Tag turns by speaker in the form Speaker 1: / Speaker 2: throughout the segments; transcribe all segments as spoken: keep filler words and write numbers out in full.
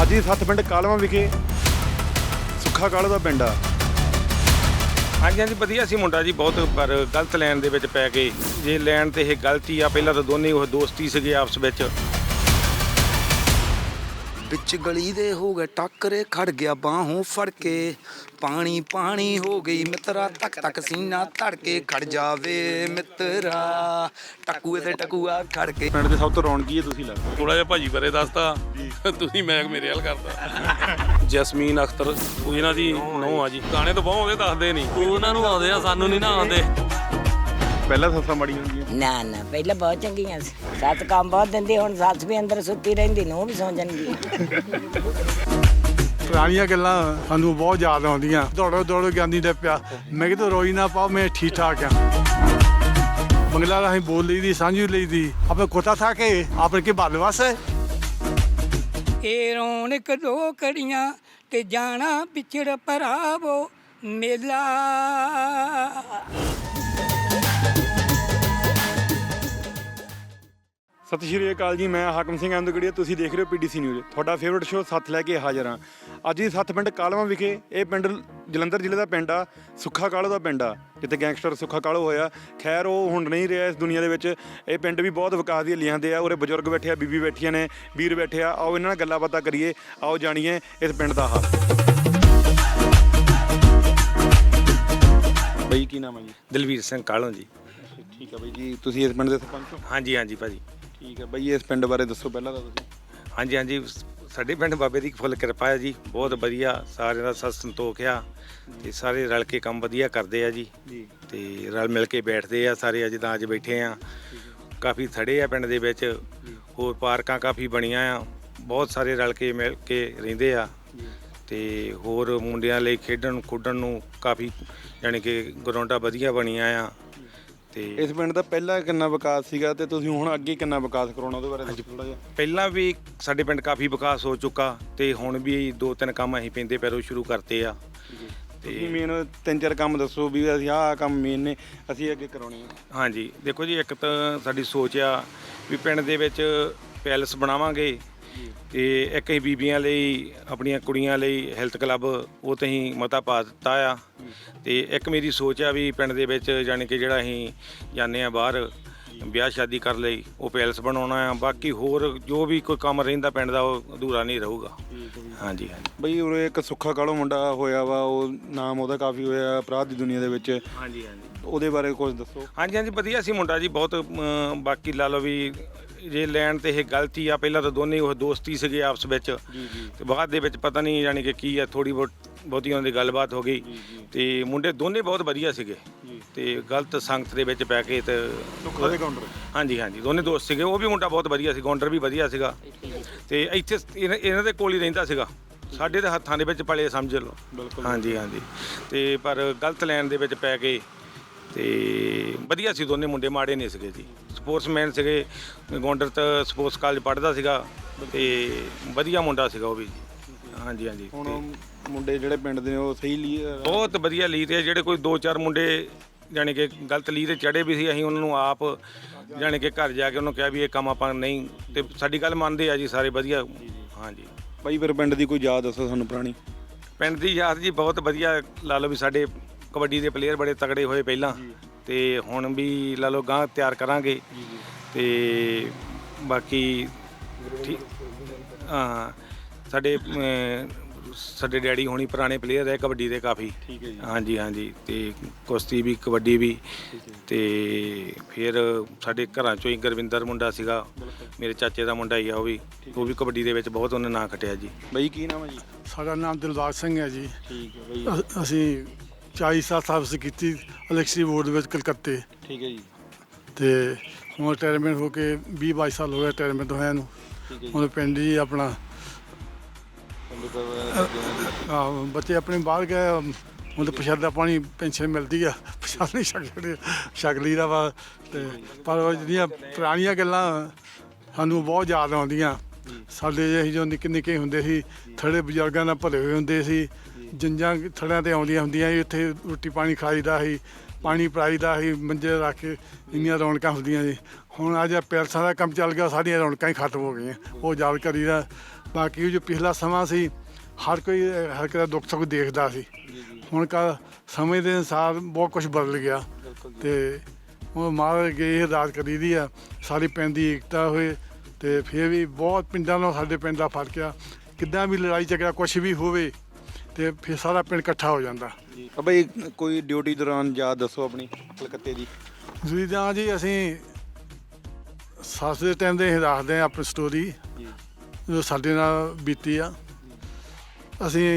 Speaker 1: ਅੱਜ ਹੀ ਸੱਤ ਪਿੰਡ ਕਾਲਵਾ ਵਿਖੇ ਸੁੱਖਾ ਕਾਲੋ ਦਾ ਪਿੰਡ ਆ।
Speaker 2: ਹਾਂਜੀ ਹਾਂਜੀ ਵਧੀਆ ਸੀ ਮੁੰਡਾ ਜੀ ਬਹੁਤ, ਪਰ ਗਲਤ ਲਾਈਨ ਦੇ ਵਿੱਚ ਪੈ ਗਏ। ਜੇ ਲਾਈਨ ਤੇ ਇਹ ਗਲਤੀ ਆ, ਪਹਿਲਾਂ ਤਾਂ ਦੋਨੇ ਉਹ ਦੋਸਤੀ ਸੀਗੇ ਆਪਸ ਵਿੱਚ।
Speaker 3: ਵਿੱਚ ਗਲੀ ਦੇ ਹੋ ਗਏ ਟੱਕਰੇ, ਖੜ ਗਿਆ ਬਾਹੋਂ ਫੜ ਕੇ, ਪਾਣੀ ਪਾਣੀ ਹੋ ਗਈ ਮਿੱਤਰਾ, ਤੱਕ ਤੱਕ ਸੀਨਾ ਧੜਕੇ, ਖੜ ਜਾਵੇ ਮਿੱਤਰਾ ਟਕੂਏ ਤੇ ਟਕੂਆ ਖੜ ਕੇ।
Speaker 1: ਪਿੰਡ ਦੇ ਸਭ ਤੋਂ ਰੌਣਕੀ ਹੈ ਤੁਸੀਂ ਲੱਗਦਾ।
Speaker 4: ਥੋੜਾ ਜਿਹਾ ਭਾਜੀ ਬਾਰੇ ਦੱਸਤਾ, ਤੁਸੀਂ ਮੈਂ ਮੇਰੇ ਹਾਲ ਕਰਦਾ। ਜਸਮੀਨ ਅਖਤਰ ਉਹ ਇਹਨਾਂ ਦੀ ਨੂੰਹ ਆ ਜੀ। ਗਾਣੇ ਤਾਂ ਬਹੁਤ ਆਉਂਦੇ, ਦੱਸਦੇ ਨਹੀਂ। ਉਹਨਾਂ ਨੂੰ ਆਉਂਦੇ ਆ, ਸਾਨੂੰ ਨਹੀਂ ਨਾ ਆਉਂਦੇ।
Speaker 1: ਪਹਿਲਾਂ ਸੱਸਾਂ ਮਾੜੀਆਂ ਹੁੰਦੀਆਂ?
Speaker 5: ਨਾ ਨਾ ਪਹਿਲਾਂ ਬਹੁਤ ਚੰਗੀਆਂ ਸੀ। ਸੱਤ ਕੰਮ ਬਹੁਤ ਦਿੰਦੀ, ਹੁਣ ਸੱਸ ਵੀ ਅੰਦਰ ਸੁੱਤੀ ਰਹਿੰਦੀ, ਨੂੰ ਵੀ ਸੌਂ ਜਾਂਦੀ।
Speaker 6: ਪੁਰਾਣੀਆਂ ਗੱਲਾਂ ਸਾਨੂੰ ਬਹੁਤ ਯਾਦ ਆਉਂਦੀਆਂ। ਦੌੜੋ ਦੌੜੋ ਜਾਂਦੀ ਦਾ ਪਿਆ, ਮੈਂ ਕਿਹਾ ਰੋਈ ਨਾ ਪਾਓ, ਮੈਂ ਠੀਕ ਠਾਕ ਆ। ਬੰਗਲਾ ਰਾਹੀਂ ਬੋਲ ਲਈ ਦੀ, ਸਾਂਝੀ ਲਈ ਦੀ, ਆਪਣੇ ਕੋਤਾ ਥਾ ਕੇ ਆਪਣੇ ਕੇ ਬਾਲਵਾਸ ਹੈ।
Speaker 7: ਇਹ ਰੌਣਕ ਦੋ ਕੜੀਆਂ ਤੇ ਜਾਣਾ ਪਿਛੜ ਭਰਾਵੋ ਮੇਲਾ।
Speaker 1: ਸਤਿ ਸ਼੍ਰੀ ਅਕਾਲ ਜੀ, ਮੈਂ ਹਾਕਮ ਸਿੰਘ ਅੰਦਗੜੀਆ, ਤੁਸੀਂ ਦੇਖ ਰਹੇ ਹੋ ਪੀਡੀਸੀ ਨਿਊਜ਼। ਤੁਹਾਡਾ ਫੇਵਰਟ ਸ਼ੋਅ ਸੱਤ ਲੈ ਕੇ ਹਾਜ਼ਰ ਹਾਂ। ਅੱਜ ਹੀ ਸੱਤ ਪਿੰਡ ਕਾਲਵਾ ਵਿਖੇ, ਇਹ ਪਿੰਡ ਜਲੰਧਰ ਜ਼ਿਲ੍ਹੇ ਦਾ ਪਿੰਡ ਆ, ਸੁੱਖਾ ਕਾਲੋ ਦਾ ਪਿੰਡ ਆ, ਜਿੱਥੇ ਗੈਂਗਸਟਰ ਸੁੱਖਾ ਕਾਲੋ ਹੋਇਆ। ਖੈਰ ਉਹ ਹੁਣ ਨਹੀਂ ਰਿਹਾ ਇਸ ਦੁਨੀਆ ਦੇ ਵਿੱਚ। ਇਹ ਪਿੰਡ ਵੀ ਬਹੁਤ ਵਿਕਾਸ ਦੀਆਂ ਲੀਹਾਂ ਦੇ ਆ। ਉਰੇ ਬਜ਼ੁਰਗ ਬੈਠੇ ਆ, ਬੀਬੀ ਬੈਠੀਆਂ ਨੇ, ਵੀਰ ਬੈਠੇ ਆ। ਆਓ ਇਹਨਾਂ ਨਾਲ ਗੱਲਾਂ ਬਾਤਾਂ ਕਰੀਏ, ਆਓ ਜਾਣੀਏ ਇਸ ਪਿੰਡ ਦਾ ਹਾਲ। ਬਈ ਕੀ ਨਾਮ ਹੈ ਜੀ?
Speaker 2: ਦਲਵੀਰ ਸਿੰਘ ਕਾਲੋਂ ਜੀ।
Speaker 1: ਠੀਕ ਹੈ ਬਈ ਜੀ, ਤੁਸੀਂ ਇਸ ਪਿੰਡ ਦੇ ਸਰਪੰਚ ਹੋ?
Speaker 2: ਹਾਂਜੀ ਹਾਂਜੀ ਭਾਜੀ।
Speaker 1: ਠੀਕ ਹੈ ਬਈ, ਇਸ ਪਿੰਡ ਬਾਰੇ ਦੱਸੋ ਪਹਿਲਾਂ ਤਾਂ ਤੁਸੀਂ।
Speaker 2: ਹਾਂਜੀ ਹਾਂਜੀ ਸਾਡੇ ਪਿੰਡ ਬਾਬੇ ਦੀ ਫੁੱਲ ਕਿਰਪਾ ਹੈ ਜੀ, ਬਹੁਤ ਵਧੀਆ। ਸਾਰਿਆਂ ਦਾ ਸਤ ਸੰਤੋਖ ਆ ਤੇ ਸਾਰੇ ਰਲ ਕੇ ਕੰਮ ਵਧੀਆ ਕਰਦੇ ਆ ਜੀ। ਤੇ ਰਲ ਮਿਲ ਕੇ ਬੈਠਦੇ ਆ ਸਾਰੇ। ਜਿੱਦਾਂ ਅੱਜ ਬੈਠੇ ਆ, ਕਾਫੀ ਥੜੇ ਆ ਪਿੰਡ ਦੇ ਵਿੱਚ, ਹੋਰ ਪਾਰਕਾਂ ਕਾਫੀ ਬਣੀਆਂ ਆ, ਬਹੁਤ ਸਾਰੇ ਰਲ ਕੇ ਮਿਲ ਕੇ ਰਹਿੰਦੇ ਆ। ਤੇ ਹੋਰ ਮੁੰਡਿਆਂ ਲਈ ਖੇਡਣ ਖੁੱਡਣ ਨੂੰ ਕਾਫੀ ਯਾਨੀ ਕਿ ਗਰਾਊਂਡਾਂ ਵਧੀਆ ਬਣੀਆਂ ਆ। ਤੇ
Speaker 1: ਇਸ ਪਿੰਡ ਦਾ ਪਹਿਲਾਂ ਕਿੰਨਾ ਵਿਕਾਸ ਸੀਗਾ ਤੇ ਤੁਸੀਂ ਹੁਣ ਅੱਗੇ ਕਿੰਨਾ ਵਿਕਾਸ ਕਰਾਉਣਾ, ਉਹਦੇ ਬਾਰੇ ਦੱਸੋ ਥੋੜਾ ਜਿਹਾ।
Speaker 2: ਪਹਿਲਾਂ ਵੀ ਸਾਡੇ ਪਿੰਡ ਕਾਫੀ ਵਿਕਾਸ ਹੋ ਚੁੱਕਾ ਤੇ ਹੁਣ ਵੀ ਦੋ ਤਿੰਨ ਕੰਮ ਅਸੀਂ ਪੈਂਦੇ ਪੈਰੋਂ ਸ਼ੁਰੂ ਕਰਤੇ ਆ।
Speaker 1: ਤੇ ਮੇਨ ਤਿੰਨ ਚਾਰ ਕੰਮ ਦੱਸੋ ਵੀ ਅਸੀਂ ਆਹ ਕੰਮ ਮੇਨ ਨੇ, ਅਸੀਂ ਅੱਗੇ ਕਰਾਉਣੇ ਆ।
Speaker 2: ਹਾਂਜੀ ਦੇਖੋ ਜੀ, ਇੱਕ ਤਾਂ ਸਾਡੀ ਸੋਚ ਆ ਵੀ ਪਿੰਡ ਦੇ ਵਿੱਚ ਪੈਲਸ ਬਣਾਵਾਂਗੇ, ਤੇ ਇੱਕ ਹੀ ਬੀਬੀਆਂ ਲਈ, ਆਪਣੀਆਂ ਕੁੜੀਆਂ ਲਈ ਹੈਲਥ ਕਲੱਬ, ਉਹ ਤੇ ਅਸੀਂ ਮਤਾ ਪਾ ਦਿੱਤਾ ਆ। ਤੇ ਇੱਕ ਮੇਰੀ ਸੋਚ ਆ ਵੀ ਪਿੰਡ ਦੇ ਵਿੱਚ ਜਾਣੀ ਕਿ ਜਿਹੜਾ ਅਸੀਂ ਜਾਂਦੇ ਆ ਬਾਹਰ ਵਿਆਹ ਸ਼ਾਦੀ ਕਰ ਲਈ, ਉਹ ਪੈਲਸ ਬਣਾਉਣਾ ਆ। ਬਾਕੀ ਹੋਰ ਜੋ ਵੀ ਕੋਈ ਕੰਮ ਰਹਿੰਦਾ ਪਿੰਡ ਦਾ, ਉਹ ਅਧੂਰਾ ਨਹੀਂ ਰਹੂਗਾ। ਹਾਂਜੀ ਹਾਂਜੀ
Speaker 1: ਬਈ ਉਰੇ ਇੱਕ ਸੁੱਖਾ ਕਾਲੋ ਮੁੰਡਾ ਹੋਇਆ ਵਾ, ਉਹ ਨਾਮ ਉਹਦਾ ਕਾਫੀ ਹੋਇਆ ਅਪਰਾਧ ਦੀ ਦੁਨੀਆ ਦੇ ਵਿੱਚ।
Speaker 2: ਹਾਂਜੀ ਹਾਂਜੀ
Speaker 1: ਉਹਦੇ ਬਾਰੇ ਕੁਝ ਦੱਸੋ।
Speaker 2: ਹਾਂਜੀ ਹਾਂਜੀ ਵਧੀਆ ਸੀ ਮੁੰਡਾ ਜੀ ਬਹੁਤ। ਬਾਕੀ ਲਾ ਲਓ ਵੀ ਜੇ ਲੈਣ ਤੇ ਇਹ ਗਲਤੀ ਆ, ਪਹਿਲਾਂ ਤਾਂ ਦੋਨੇ ਉਹ ਦੋਸਤੀ ਸੀਗੇ ਆਪਸ ਵਿੱਚ, ਤੇ ਬਾਅਦ ਦੇ ਵਿੱਚ ਪਤਾ ਨਹੀਂ ਜਾਣੀ ਕਿ ਕੀ ਆ, ਥੋੜੀ ਬਹੁਤ ਬਹੁਤੀ ਉਹਨਾਂ ਦੀ ਗੱਲਬਾਤ ਹੋ ਗਈ। ਤੇ ਮੁੰਡੇ ਦੋਨੇ ਬਹੁਤ ਵਧੀਆ ਸੀਗੇ, ਤੇ ਗਲਤ ਸੰਗਤ ਦੇ ਵਿੱਚ ਪੈ ਕੇ ਤੇ ਹਾਂਜੀ ਹਾਂਜੀ ਦੋਨੇ ਦੋਸਤ ਸੀਗੇ। ਉਹ ਵੀ ਮੁੰਡਾ ਬਹੁਤ ਵਧੀਆ ਸੀ, ਗੌਂਡਰ ਵੀ ਵਧੀਆ ਸੀਗਾ, ਤੇ ਇੱਥੇ ਇਹਨਾਂ ਇਹਨਾਂ ਦੇ ਕੋਲ ਹੀ ਰਹਿੰਦਾ ਸੀਗਾ। ਸਾਡੇ ਦੇ ਹੱਥਾਂ ਦੇ ਵਿੱਚ ਪਲੇ ਸਮਝ ਲਓ। ਹਾਂਜੀ ਹਾਂਜੀ ਤੇ ਪਰ ਗਲਤ ਲਾਈਨ ਦੇ ਵਿੱਚ ਪੈ ਗਏ। ਤੇ ਵਧੀਆ ਸੀ ਦੋਨੇ ਮੁੰਡੇ, ਮਾੜੇ ਨਹੀਂ ਸੀਗੇ ਜੀ। ਸਪੋਰਟਸਮੈਨ ਸੀਗੇ, ਗੌਂਡਰ ਤਾਂ ਸਪੋਰਟਸ ਕਾਲਜ ਪੜ੍ਹਦਾ ਸੀਗਾ, ਤੇ ਵਧੀਆ ਮੁੰਡਾ ਸੀਗਾ ਉਹ ਵੀ ਜੀ। ਹਾਂਜੀ ਹਾਂਜੀ
Speaker 1: ਹੁਣ ਮੁੰਡੇ ਜਿਹੜੇ ਪਿੰਡ ਦੇ ਨੇ ਉਹ ਸਹੀ ਲਈ
Speaker 2: ਬਹੁਤ ਵਧੀਆ ਲੀ ਤੇ ਜਿਹੜੇ ਕੋਈ ਦੋ ਚਾਰ ਮੁੰਡੇ ਜਾਣੀ ਕਿ ਗਲਤ ਲੀ ਤੇ ਚੜੇ ਵੀ ਸੀ, ਅਸੀਂ ਉਹਨਾਂ ਨੂੰ ਆਪ ਜਾਣੀ ਕਿ ਘਰ ਜਾ ਕੇ ਉਹਨੂੰ ਕਿਹਾ ਵੀ ਇਹ ਕੰਮ ਆਪਾਂ ਨਹੀਂ, ਤੇ ਸਾਡੀ ਗੱਲ ਮੰਨਦੇ ਆ ਜੀ ਸਾਰੇ ਵਧੀਆ। ਹਾਂਜੀ
Speaker 1: ਬਾਈ ਫਿਰ ਪਿੰਡ ਦੀ ਕੋਈ ਯਾਦ ਦੱਸੋ ਸਾਨੂੰ ਪੁਰਾਣੀ।
Speaker 2: ਪਿੰਡ ਦੀ ਯਾਦ ਜੀ ਬਹੁਤ ਵਧੀਆ। ਲਾ ਲਓ ਵੀ ਸਾਡੇ ਕਬੱਡੀ ਦੇ ਪਲੇਅਰ ਬੜੇ ਤਗੜੇ ਹੋਏ ਪਹਿਲਾਂ, ਤੇ ਹੁਣ ਵੀ ਲਾ ਲਓ ਗਾਂ ਤਿਆਰ ਕਰਾਂਗੇ। ਤੇ ਬਾਕੀ ਠੀਕ ਹਾਂ, ਸਾਡੇ ਸਾਡੇ ਡੈਡੀ ਹੋਣੀ ਪੁਰਾਣੇ ਪਲੇਅਰ ਹੈ ਕਬੱਡੀ ਦੇ ਕਾਫੀ।
Speaker 1: ਠੀਕ ਹੈ ਜੀ।
Speaker 2: ਹਾਂਜੀ ਹਾਂਜੀ ਤੇ ਕੁਸ਼ਤੀ ਵੀ, ਕਬੱਡੀ ਵੀ। ਤੇ ਫਿਰ ਸਾਡੇ ਘਰਾਂ ਚੋਂ ਹੀ ਗੁਰਵਿੰਦਰ ਮੁੰਡਾ ਸੀਗਾ, ਮੇਰੇ ਚਾਚੇ ਦਾ ਮੁੰਡਾ ਹੀ ਆ, ਉਹ ਵੀ ਉਹ ਵੀ ਕਬੱਡੀ ਦੇ ਵਿੱਚ ਬਹੁਤ ਉਹਨੇ ਨਾਂ ਖੱਟਿਆ ਜੀ।
Speaker 1: ਬਾਈ ਕੀ ਨਾਮ ਹੈ ਜੀ?
Speaker 6: ਸਾਡਾ ਨਾਮ ਦਿਲਬਾਗ ਸਿੰਘ ਹੈ ਜੀ।
Speaker 1: ਠੀਕ ਹੈ ਬਾਈ।
Speaker 6: ਅ- ਅਸੀਂ ਚਾਲੀ ਸਾਲ ਸਰਵਿਸ ਕੀਤੀ ਇਲੈਕਟ੍ਰਿਸਿਟੀ ਬੋਰਡ ਦੇ ਵਿੱਚ ਕਲਕੱਤੇ।
Speaker 1: ਠੀਕ ਹੈ ਜੀ।
Speaker 6: ਤੇ ਹੁਣ ਰਿਟਾਇਰਮੈਂਟ ਹੋ ਕੇ ਵੀਹ ਬਾਈ ਸਾਲ ਹੋ ਗਏ ਰਿਟਾਇਰਮੈਂਟ ਹੋਇਆ ਨੂੰ।
Speaker 1: ਠੀਕ ਹੈ ਜੀ।
Speaker 6: ਹੁਣ ਪਿੰਡ ਹੀ ਆਪਣਾ ਆਹ, ਬੱਚੇ ਆਪਣੇ ਬਾਹਰ ਗਏ, ਹੁਣ ਤਾਂ ਪ੍ਰਸ਼ਾਦਾ ਪਾਣੀ ਪੈਨਸ਼ਨ ਮਿਲਦੀ ਆ, ਪ੍ਰਸ਼ਾਦ ਨਹੀਂ ਛਕ ਛਕ ਲਈਦਾ ਵਾ। ਤੇ ਪਰ ਉਹ ਜਿਹੜੀਆਂ ਪੁਰਾਣੀਆਂ ਗੱਲਾਂ ਸਾਨੂੰ ਬਹੁਤ ਯਾਦ ਆਉਂਦੀਆਂ। ਸਾਡੇ ਜਿਹੇ ਜੋ ਨਿੱਕੇ ਨਿੱਕੇ ਹੁੰਦੇ ਸੀ, ਥੜੇ ਬਜ਼ੁਰਗਾਂ ਨਾਲ ਭਰੇ ਹੋਏ ਹੁੰਦੇ ਸੀ, ਜੰਜਾਂ ਥੜਿਆਂ 'ਤੇ ਆਉਂਦੀਆਂ ਹੁੰਦੀਆਂ ਸੀ, ਉੱਥੇ ਰੋਟੀ ਪਾਣੀ ਖਾਈਦਾ ਸੀ, ਪਾਣੀ ਪਿਲਾਈਦਾ ਸੀ, ਮੰਜੇ ਰੱਖ ਕੇ ਇੰਨੀਆਂ ਰੌਣਕਾਂ ਹੁੰਦੀਆਂ ਸੀ। ਹੁਣ ਅੱਜ ਪੈਲਸਾਂ ਦਾ ਕੰਮ ਚੱਲ ਗਿਆ, ਸਾਰੀਆਂ ਰੌਣਕਾਂ ਹੀ ਖਤਮ ਹੋ ਗਈਆਂ। ਉਹ ਯਾਦ ਕਰੀਦਾ ਬਾਕੀ ਜੋ ਪਿਛਲਾ ਸਮਾਂ ਸੀ ਹਰ ਕੋਈ ਹਰ ਇੱਕ ਦਾ ਦੁੱਖ ਸੁੱਖ ਦੇਖਦਾ ਸੀ। ਹੁਣ ਕਾ ਸਮੇਂ ਦੇ ਅਨੁਸਾਰ ਬਹੁਤ ਕੁਝ ਬਦਲ ਗਿਆ ਤੇ ਉਹ ਮਹਾਰਾਜ ਅੱਗੇ ਇਹ ਅਰਦਾਸ ਕਰੀ ਦੀ ਆ ਸਾਰੀ ਪਿੰਡ ਦੀ ਏਕਤਾ ਹੋਏ ਤੇ ਫਿਰ ਵੀ ਬਹੁਤ ਪਿੰਡਾਂ ਨਾਲ ਸਾਡੇ ਪਿੰਡ ਦਾ ਫਰਕ ਆ। ਕਿੱਦਾਂ ਵੀ ਲੜਾਈ ਝਗੜਾ ਕੁਝ ਵੀ ਹੋਵੇ ਤੇ ਫਿਰ ਸਾਰਾ ਪਿੰਡ ਇਕੱਠਾ ਹੋ ਜਾਂਦਾ।
Speaker 1: ਆ ਬਈ ਕੋਈ ਡਿਊਟੀ ਦੌਰਾਨ ਯਾਦ ਦੱਸੋ ਆਪਣੀ ਕਲਕੱਤੇ ਦੀ।
Speaker 6: ਜੀ ਤਾਂ ਜੀ ਅਸੀਂ ਸੱਸ ਦੇ ਟਾਈਮ ਦੇ ਅਸੀਂ ਦੱਸਦੇ ਹਾਂ ਆਪਣੀ ਸਟੋਰੀ ਜੋ ਸਾਡੇ ਨਾਲ ਬੀਤੀ ਆ। ਅਸੀਂ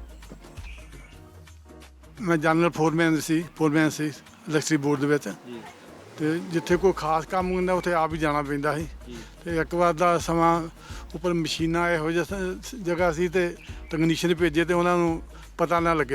Speaker 6: ਮੈਂ ਜਨਰਲ ਫੋਰਮੈਨ ਸੀ ਫੋਰਮੈਨ ਸੀ ਇਲੈਕਟ੍ਰਿਕ ਬੋਰਡ ਦੇ ਵਿੱਚ ਤੇ ਜਿੱਥੇ ਕੋਈ ਖਾਸ ਕੰਮ ਹੁੰਦਾ ਉੱਥੇ ਆਪ ਹੀ ਜਾਣਾ ਪੈਂਦਾ ਸੀ। ਤੇ ਇੱਕ ਵਾਰ ਦਾ ਸਮਾਂ ਉੱਪਰ ਮਸ਼ੀਨਾਂ ਇਹੋ ਜਿਹਾ ਸ- ਜਗ੍ਹਾ ਸੀ ਤੇ ਟੈਕਨੀਸ਼ੀਅਨ ਭੇਜੇ ਤੇ ਉਹਨਾਂ ਨੂੰ ਪਤਾ ਨਾ ਲੱਗੇ।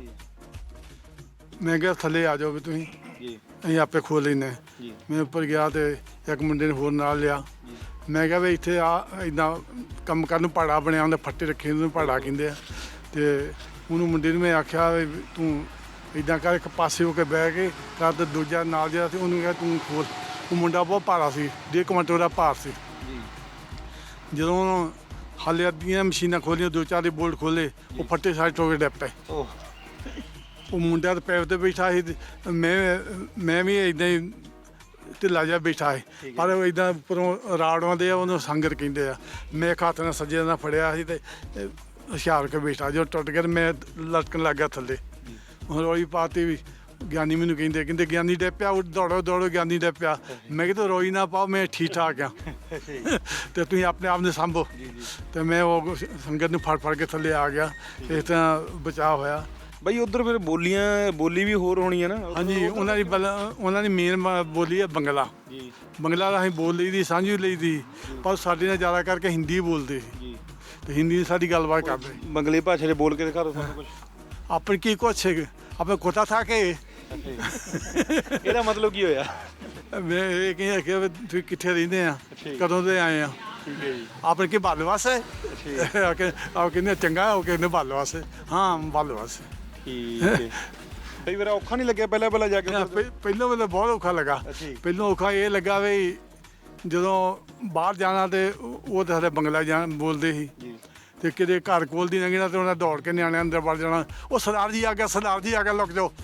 Speaker 6: ਮੈਂ ਕਿਹਾ ਥੱਲੇ ਆ ਜਾਓ ਵੀ ਤੁਸੀਂ ਅਸੀਂ ਆਪੇ ਖੋਲ ਲੈਂਦੇ। ਮੈਂ ਉੱਪਰ ਗਿਆ ਤੇ ਇੱਕ ਮੁੰਡੇ ਨੇ ਹੋਰ ਨਾਲ ਲਿਆ। ਮੈਂ ਕਿਹਾ ਵੀ ਇੱਥੇ ਆ ਇੱਦਾਂ ਕੰਮ ਕਰਨ ਨੂੰ ਪਹਾੜਾ ਬਣਿਆ ਹੁੰਦਾ ਫੱਟੇ ਰੱਖੇ ਉਹਨੂੰ ਪਹਾੜਾ ਕਹਿੰਦੇ ਆ। ਤੇ ਉਹਨੂੰ ਮੁੰਡੇ ਨੂੰ ਮੈਂ ਆਖਿਆ ਵੀ ਤੂੰ ਇੱਦਾਂ ਕਰ ਇੱਕ ਪਾਸੇ ਹੋ ਕੇ ਬਹਿ ਕੇ ਕਰ ਤੇ ਦੂਜਾ ਨਾਲ ਜਿਹੜਾ ਸੀ ਉਹਨੂੰ ਕਿਹਾ ਤੂੰ ਖੋਲ। ਉਹ ਮੁੰਡਾ ਬਹੁਤ ਭਾਰਾ ਸੀ ਡੇਢ ਕੁਇੰਟਲ ਦਾ ਭਾਰ ਸੀ। ਜਦੋਂ ਉਹਨੂੰ ਹਾਲੇ ਅੱਧੀਆਂ ਮਸ਼ੀਨਾਂ ਖੋਲੀਆਂ ਦੋ ਚਾਰ ਦੇ ਬੋਲਟ ਖੋਲੇ ਉਹ ਫੱਟੇ ਸਾਰੇ ਟੋਕੇ ਡਿੱਗ ਪਏ। ਉਹ ਮੁੰਡਾ ਤਾਂ ਪੈਪ ਤੇ ਬੈਠਾ ਸੀ ਤੇ ਮੈਂ ਮੈਂ ਵੀ ਇੱਦਾਂ ਹੀ ਢਿੱਲਾ ਜਿਹਾ ਬੈਠਾ ਸੀ ਪਰ ਉਹ ਇੱਦਾਂ ਉੱਪਰੋਂ ਰਾੜ ਆਉਂਦੇ ਆ ਉਹਨੂੰ ਸੰਗਰ ਕਹਿੰਦੇ ਆ। ਮੈਂ ਇੱਕ ਹੱਥ ਨਾਲ ਸੱਜੇ ਨਾਲ ਫੜਿਆ ਸੀ ਤੇ ਹੁਸ਼ਿਆਰ ਕੇ ਬੈਠਾ ਜਦੋਂ ਟੁੱਟ ਗਿਆ ਮੈਂ ਲਟਕਣ ਲੱਗ ਗਿਆ ਥੱਲੇ। ਹੁਣ ਰੋਈ ਪਾਤੀ ਵੀ ਗਿਆਨੀ ਮੈਨੂੰ ਕਹਿੰਦੇ ਕਹਿੰਦੇ ਗਿਆਨੀ ਡੇ ਪਿਆ ਦੌੜੋ ਦੌੜੋ ਗਿਆਨੀ ਡੇ ਪਿਆ। ਮੈਂ ਕਿਹਾ ਤੂੰ ਰੋਈ ਨਾ ਪਾਓ ਮੈਂ ਠੀਕ ਠਾਕ ਆ ਤੇ ਤੁਸੀਂ ਆਪਣੇ ਆਪ ਨੂੰ ਸਾਂਭੋ। ਤੇ ਮੈਂ ਉਹ ਸੰਗਤ ਨੂੰ ਫੜ ਫੜ ਕੇ ਥੱਲੇ ਆ ਗਿਆ। ਇਸ ਤਰ੍ਹਾਂ ਬਚਾਅ ਹੋਇਆ।
Speaker 1: ਬਈ ਉਧਰ ਫਿਰ ਬੋਲੀਆਂ ਬੋਲੀ ਵੀ ਹੋਰ ਹੋਣੀ ਹੈ ਨਾ।
Speaker 6: ਹਾਂਜੀ ਉਹਨਾਂ ਦੀ ਬਲ ਉਹਨਾਂ ਦੀ ਮੇਨ ਬੋਲੀ ਹੈ ਬੰਗਲਾ। ਬੰਗਲਾ ਦਾ ਅਸੀਂ ਬੋਲ ਲਈ ਦੀ ਸਾਂਝੀ ਲਈ ਦੀ ਪਰ ਸਾਡੇ ਨਾਲ ਜ਼ਿਆਦਾ ਕਰਕੇ ਹਿੰਦੀ ਬੋਲਦੇ ਸੀ ਤੇ ਹਿੰਦੀ ਸਾਡੀ ਗੱਲਬਾਤ ਕਰਦੇ।
Speaker 1: ਬੰਗਲੇ ਭਾਸ਼ਾ ਦੇ ਬੋਲ ਕੇ ਦਿਖਾ ਦਿਓ ਸਾਨੂੰ ਕੁਝ।
Speaker 6: ਆਪਣੀ ਕੀ ਕੁਛ ਆਪਣੇ ਕੋਤਾ ਥਾ ਕੇ
Speaker 1: ਇਹਦਾ ਮਤਲਬ ਕੀ ਹੋਇਆ?
Speaker 6: ਮੈਂ ਇਹ ਕਹਿੰਦਾ ਕਿ ਵੀ ਤੁਸੀਂ ਕਿੱਥੇ ਰਹਿੰਦੇ ਆ ਕਦੋਂ ਦੇ ਆਏ ਆ ਆਪਣੇ ਕੀ ਬਾਲਵਾਸ ਹੈ ਆ ਕੇ ਆ ਕਹਿੰਦੇ ਚੰਗਾ ਹੋ ਕੇ ਕਹਿੰਦੇ ਬਾਲਵਾਸ ਹਾਂ ਬਾਲਵਾਸ।
Speaker 1: ਠੀਕ ਹੈ ਬਈ ਮੇਰਾ ਔਖਾ ਨਹੀਂ ਲੱਗਿਆ ਪਹਿਲਾਂ ਪਹਿਲਾਂ ਜਾ ਕੇ ਉੱਧਰ?
Speaker 6: ਪਹਿਲਾਂ ਮੈਨੂੰ ਬਹੁਤ ਔਖਾ ਲੱਗਾ। ਪਹਿਲਾਂ ਔਖਾ ਇਹ ਲੱਗਾ ਵੀ ਜਦੋਂ ਬਾਹਰ ਜਾਣਾ ਤੇ ਉਹ ਤਾਂ ਸਾਡੇ ਬੰਗਲਾ ਜਾਣ ਬੋਲਦੇ ਸੀ ਤੇ ਕਿਤੇ ਘਰ ਕੋਲ ਦੀ ਲੰਘਣਾ ਤੇ ਉਹਨਾਂ ਦੌੜ ਕੇ ਨਿਆਣਿਆਂ ਅੰਦਰ ਵੜ ਜਾਣਾ। ਉਹ ਸਰਦਾਰ ਜੀ ਆ ਗਿਆ ਸਰਦਾਰ ਜੀ ਆ ਗਿਆ ਲੁਕ ਜਾਓ।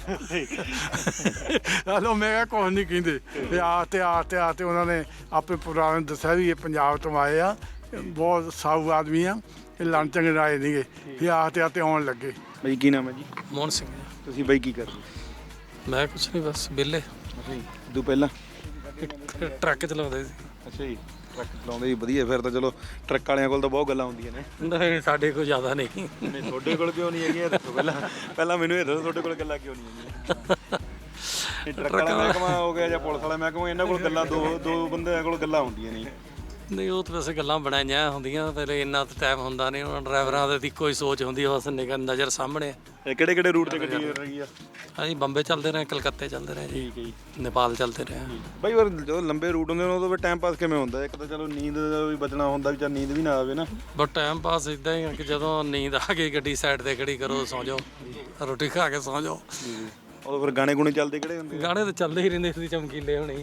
Speaker 6: ਹਲੋ ਮੈਂ ਕਿਹਾ ਕੁਛ ਨਹੀਂ ਕਹਿੰਦੇ ਤੇ ਆ ਤੇ ਆ ਤੇ ਆ ਤੇ ਉਹਨਾਂ ਨੇ ਆਪੇ ਪੁਰਾਣੇ ਨੇ ਦੱਸਿਆ ਵੀ ਇਹ ਪੰਜਾਬ ਤੋਂ ਆਏ ਆ ਬਹੁਤ ਸਾਊ ਆਦਮੀ ਆ ਇਹ ਲੰਨ ਚੰਗੇ ਆਏ ਨਹੀਂਗੇ ਫਿਰ ਆ ਤੇ ਆ ਤੇ ਆਉਣ ਲੱਗੇ।
Speaker 1: ਬਈ ਕੀ ਨਾਮ ਹੈ ਜੀ?
Speaker 4: ਮੋਹਨ ਸਿੰਘ
Speaker 1: ਤੁਸੀਂ ਬਈ ਕੀ ਕਰਦੇ?
Speaker 4: ਮੈਂ ਕੁਛ ਨਹੀਂ ਬਸ ਵਿਹਲੇ
Speaker 1: ਅੱਛਾ ਜੀ ਦੋ ਪਹਿਲਾਂ
Speaker 4: ਟਰੱਕ ਚਲਾਉਂਦੇ ਸੀ।
Speaker 1: ਅੱਛਾ ਜੀ ਟਰੱਕ ਚਲਾਉਂਦੇ ਜੀ ਵਧੀਆ। ਫਿਰ ਤਾਂ ਚਲੋ ਟਰੱਕ ਵਾਲਿਆਂ ਕੋਲ ਤਾਂ ਬਹੁਤ ਗੱਲਾਂ ਹੁੰਦੀਆਂ ਨੇ।
Speaker 4: ਨਹੀਂ ਸਾਡੇ ਕੋਲ ਜ਼ਿਆਦਾ ਨਹੀਂ।
Speaker 1: ਨਹੀਂ ਤੁਹਾਡੇ ਕੋਲ ਕਿਉਂ ਨਹੀਂ ਹੈਗੀਆਂ ਦੱਸੋ ਪਹਿਲਾਂ ਪਹਿਲਾਂ ਮੈਨੂੰ ਇਹ ਦੱਸੋ ਤੁਹਾਡੇ ਕੋਲ ਗੱਲਾਂ ਕਿਉਂ ਨਹੀਂ ਹੈਗੀਆਂ? ਟਰੱਕ ਵਾਲਾ ਮਹਿਕਮਾ ਹੋ ਗਿਆ ਜਾਂ ਪੁਲਿਸ ਵਾਲਾ ਮਹਿਕਮਾ ਇਹਨਾਂ ਕੋਲ ਗੱਲਾਂ ਦੋ ਦੋ ਬੰਦਿਆਂ ਕੋਲ ਗੱਲਾਂ ਹੁੰਦੀਆਂ ਨਹੀਂ।
Speaker 4: ਨਹੀਂ ਉਹ ਤਾਂ ਵੈਸੇ ਗੱਲਾਂ ਬਣਾਈਆਂ ਹੁੰਦੀਆਂ ਪਹਿਲੇ ਇੰਨਾ ਤਾਂ ਟਾਈਮ ਹੁੰਦਾ ਨਹੀਂ। ਉਹਨਾਂ ਡਰਾਈਵਰਾਂ ਦੇ ਦੀ ਕੋਈ ਸੋਚ ਹੁੰਦੀ ਬਸ ਨਿਗਰ ਨਜ਼ਰ ਸਾਹਮਣੇ।
Speaker 1: ਇਹ ਕਿਹੜੇ ਕਿਹੜੇ ਰੂਟ ਤੇ ਗੱਡੀ ਰਹੀ ਆ?
Speaker 4: ਅਸੀਂ ਬੰਬੇ ਚੱਲਦੇ ਰਹੇ ਕਲਕੱਤੇ ਚੱਲਦੇ ਰਹੇ ਜੀ
Speaker 1: ਠੀਕ ਹੈ ਜੀ
Speaker 4: ਨੇਪਾਲ ਚੱਲਦੇ ਰਹੇ।
Speaker 1: ਬਈ ਹੋਰ ਜਦੋਂ ਲੰਬੇ ਰੂਟ ਹੁੰਦੇ ਨੇ ਉਦੋਂ ਫਿਰ ਟਾਈਮ ਪਾਸ ਕਿਵੇਂ ਹੁੰਦਾ? ਇੱਕ ਤਾਂ ਚਲੋ ਨੀਂਦ ਦਾ ਵੀ ਬਚਣਾ ਹੁੰਦਾ ਵੀ ਚੱਲ ਨੀਂਦ ਵੀ ਨਾ ਆਵੇ ਨਾ।
Speaker 4: ਬਟ ਟਾਈਮ ਪਾਸ ਇਦਾਂ ਹੀ ਆ ਕਿ ਜਦੋਂ ਨੀਂਦ ਆ ਗਈ ਗੱਡੀ ਸਾਈਡ ਤੇ ਖੜੀ ਕਰੋ ਸੌਂ ਜਾਓ ਰੋਟੀ ਖਾ ਕੇ ਸੌਂ ਜਾਓ।
Speaker 1: ਉਦੋਂ ਫਿਰ ਗਾਣੇ ਗੁਣੇ ਚੱਲਦੇ ਕਿਹੜੇ ਹੁੰਦੇ?
Speaker 4: ਗਾਣੇ ਤਾਂ ਚੱਲਦੇ ਹੀ ਰਹਿੰਦੇ ਸੀ ਚਮਕੀਲੇ ਹੋਣੇ।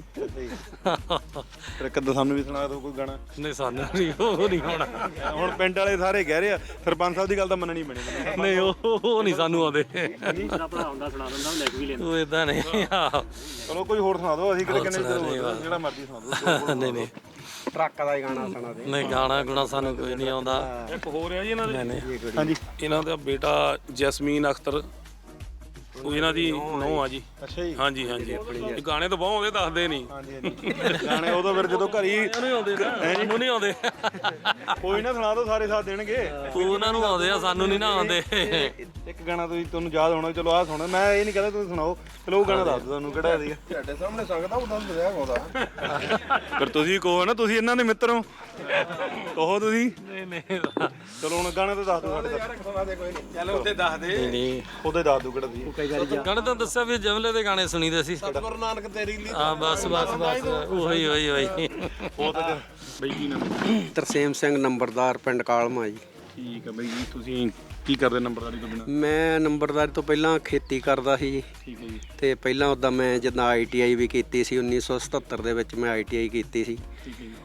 Speaker 1: ਫਿਰ ਇੱਕ ਅੱਧਾ ਸਾਨੂੰ ਵੀ ਸੁਣਾ ਦਿਓ ਕੋਈ ਗਾਣਾ।
Speaker 4: ਨਹੀਂ ਸਾਨੂੰ ਨਹੀਂ ਉਹ ਨਹੀਂ ਹੋਣਾ।
Speaker 1: ਹੁਣ ਪਿੰਡ ਵਾਲੇ ਸਾਰੇ ਕਹਿ ਰਹੇ ਆ ਸਰਪੰਚ ਸਾਹਿਬ ਦੀ ਗੱਲ ਤਾਂ ਮੰਨਣੀ ਪੈਣੀ।
Speaker 4: ਨਹੀਂ ਉਹ ਉਹ ਨਹੀਂ ਸਾਨੂੰ ਆਉਂਦੇ।
Speaker 8: ਮੇਰਾ ਭਰਾ ਹੁੰਦਾ ਸੁਣਾ ਦਿੰਦਾ ਉਹ ਲਿਖ ਵੀ ਲੈਂਦਾ।
Speaker 4: ਉਹ ਇਦਾਂ ਨਹੀਂ ਆ।
Speaker 1: ਚਲੋ ਕੋਈ ਹੋਰ ਸੁਣਾ ਦਿਓ ਅਸੀਂ ਕਿਹੜੇ ਕਿੰਨੇ ਜਿਹੜਾ ਮਰਜ਼ੀ ਸੁਣਾ ਦਿਓ।
Speaker 4: ਨਹੀਂ ਨਹੀਂ
Speaker 8: ਟਰੱਕ ਦਾ ਹੀ ਗਾਣਾ ਸੁਣਾ ਦੇ।
Speaker 4: ਨਹੀਂ ਗਾਣਾ ਗੁਣਾ ਸਾਨੂੰ ਕੋਈ ਨਹੀਂ ਆਉਂਦਾ।
Speaker 2: ਇੱਕ ਹੋਰ ਹੈ ਜੀ ਇਹਨਾਂ ਦੇ।
Speaker 4: ਨਹੀਂ
Speaker 1: ਹਾਂਜੀ
Speaker 2: ਇਹਨਾਂ ਦਾ ਬੇਟਾ ਜੈਸਮੀਨ ਅਖਤਰ ਉਹ ਇਹਨਾਂ ਦੀ ਨੂੰਹ ਆ ਜੀ।
Speaker 1: ਅੱਛਾ ਜੀ
Speaker 2: ਹਾਂਜੀ ਹਾਂਜੀ ਇਹ ਗਾਣੇ ਤਾਂ ਬਹੁਤ ਆਉਂਦੇ ਦੱਸਦੇ ਨਹੀਂ।
Speaker 1: ਹਾਂਜੀ ਹਾਂਜੀ ਗਾਣੇ ਉਦੋਂ ਫਿਰ ਜਦੋਂ ਘਰੀ
Speaker 4: ਨਹੀਂ ਆਉਂਦੇ ਸਾਨੂੰ ਨਹੀਂ ਆਉਂਦੇ।
Speaker 1: ਕੋਈ ਨਾ ਸੁਣਾ ਦਿਓ ਸਾਰੇ ਸਾਥ ਦੇਣਗੇ।
Speaker 4: ਉਹਨਾਂ ਨੂੰ ਆਉਂਦੇ ਆ ਸਾਨੂੰ ਨਹੀਂ ਨਾ ਆਉਂਦੇ।
Speaker 1: ਇੱਕ ਗਾਣਾ ਤੁਸੀਂ ਤੁਹਾਨੂੰ ਯਾਦ ਹੋਣਾ ਚਲੋ ਆਹ ਸੁਣੋ ਮੈਂ ਇਹ ਨਹੀਂ ਕਹਿੰਦਾ ਤੁਸੀਂ ਸੁਣਾਓ ਚਲੋ ਉਹ ਗਾਣਾ ਦੱਸ ਦਿਓ ਤੁਹਾਨੂੰ ਕਿਹੜਾ ਸੀਗਾ ਤੁਹਾਡੇ ਸਾਹਮਣੇ ਸੰਗਦਾ ਉਦੋਂ ਦਰਿਆ ਆਉਂਦਾ। ਫਿਰ ਤੁਸੀਂ ਕਹੋ ਨਾ ਤੁਸੀਂ ਇਹਨਾਂ ਦੇ ਮਿੱਤਰ ਹੋ ਕਹੋ ਤੁਸੀਂ।
Speaker 4: ਨਹੀਂ ਨਹੀਂ
Speaker 1: ਚਲੋ ਹੁਣ ਗਾਣਾ ਤਾਂ ਦੱਸ ਦਿਓ ਸਾਡੇ ਤੱਕ। ਚਲੋ ਉੱਤੇ ਦੱਸ ਦੇ
Speaker 4: ਨਹੀਂ
Speaker 1: ਉਹਦੇ ਦੱਸ ਦਿਓ ਕਿਹੜਾ ਸੀ।
Speaker 4: ਗਾਣੇ ਤਾਂ ਦੱਸਿਆ ਵੀ ਜਮਲੇ ਦੇ ਗਾਣੇ ਸੁਣੀਦੇ ਸੀ।
Speaker 8: ਗੁਰੂ ਨਾਨਕ ਤੇਰੀ ਲਈ
Speaker 4: ਹਾਂ ਬਸ ਬਸ ਬਸ ਉਹੀ ਉਹੀ ਉਹੀ।
Speaker 1: ਉਹ ਤਾਂ ਬਈ ਕੀ ਨਾਮ ਹੈ?
Speaker 8: ਤਰਸੇਮ ਸਿੰਘ ਨੰਬਰਦਾਰ ਪਿੰਡ ਕਾਲਮਾ ਜੀ।
Speaker 1: ਠੀਕ ਹੈ ਬਈ ਜੀ ਤੁਸੀਂ ਕੀ ਕਰਦੇ ਨੰਬਰਦਾਰੀ ਤੋਂ ਬਿਨਾਂ?
Speaker 8: ਮੈਂ ਨੰਬਰਦਾਰੀ ਤੋਂ ਪਹਿਲਾਂ ਖੇਤੀ ਕਰਦਾ ਸੀ ਜੀ
Speaker 1: ਠੀਕ ਹੈ ਜੀ
Speaker 8: ਤੇ ਪਹਿਲਾਂ ਉੱਦਾਂ ਮੈਂ ਜਿੱਦਾਂ ਆਈ ਟੀ ਆਈ ਵੀ ਕੀਤੀ ਸੀ ਉੱਨੀ ਸੌ ਸਤੱਤਰ ਦੇ ਵਿੱਚ ਮੈਂ ਆਈ ਟੀ ਆਈ ਕੀਤੀ ਸੀ।
Speaker 1: ਠੀਕ ਹੈ ਜੀ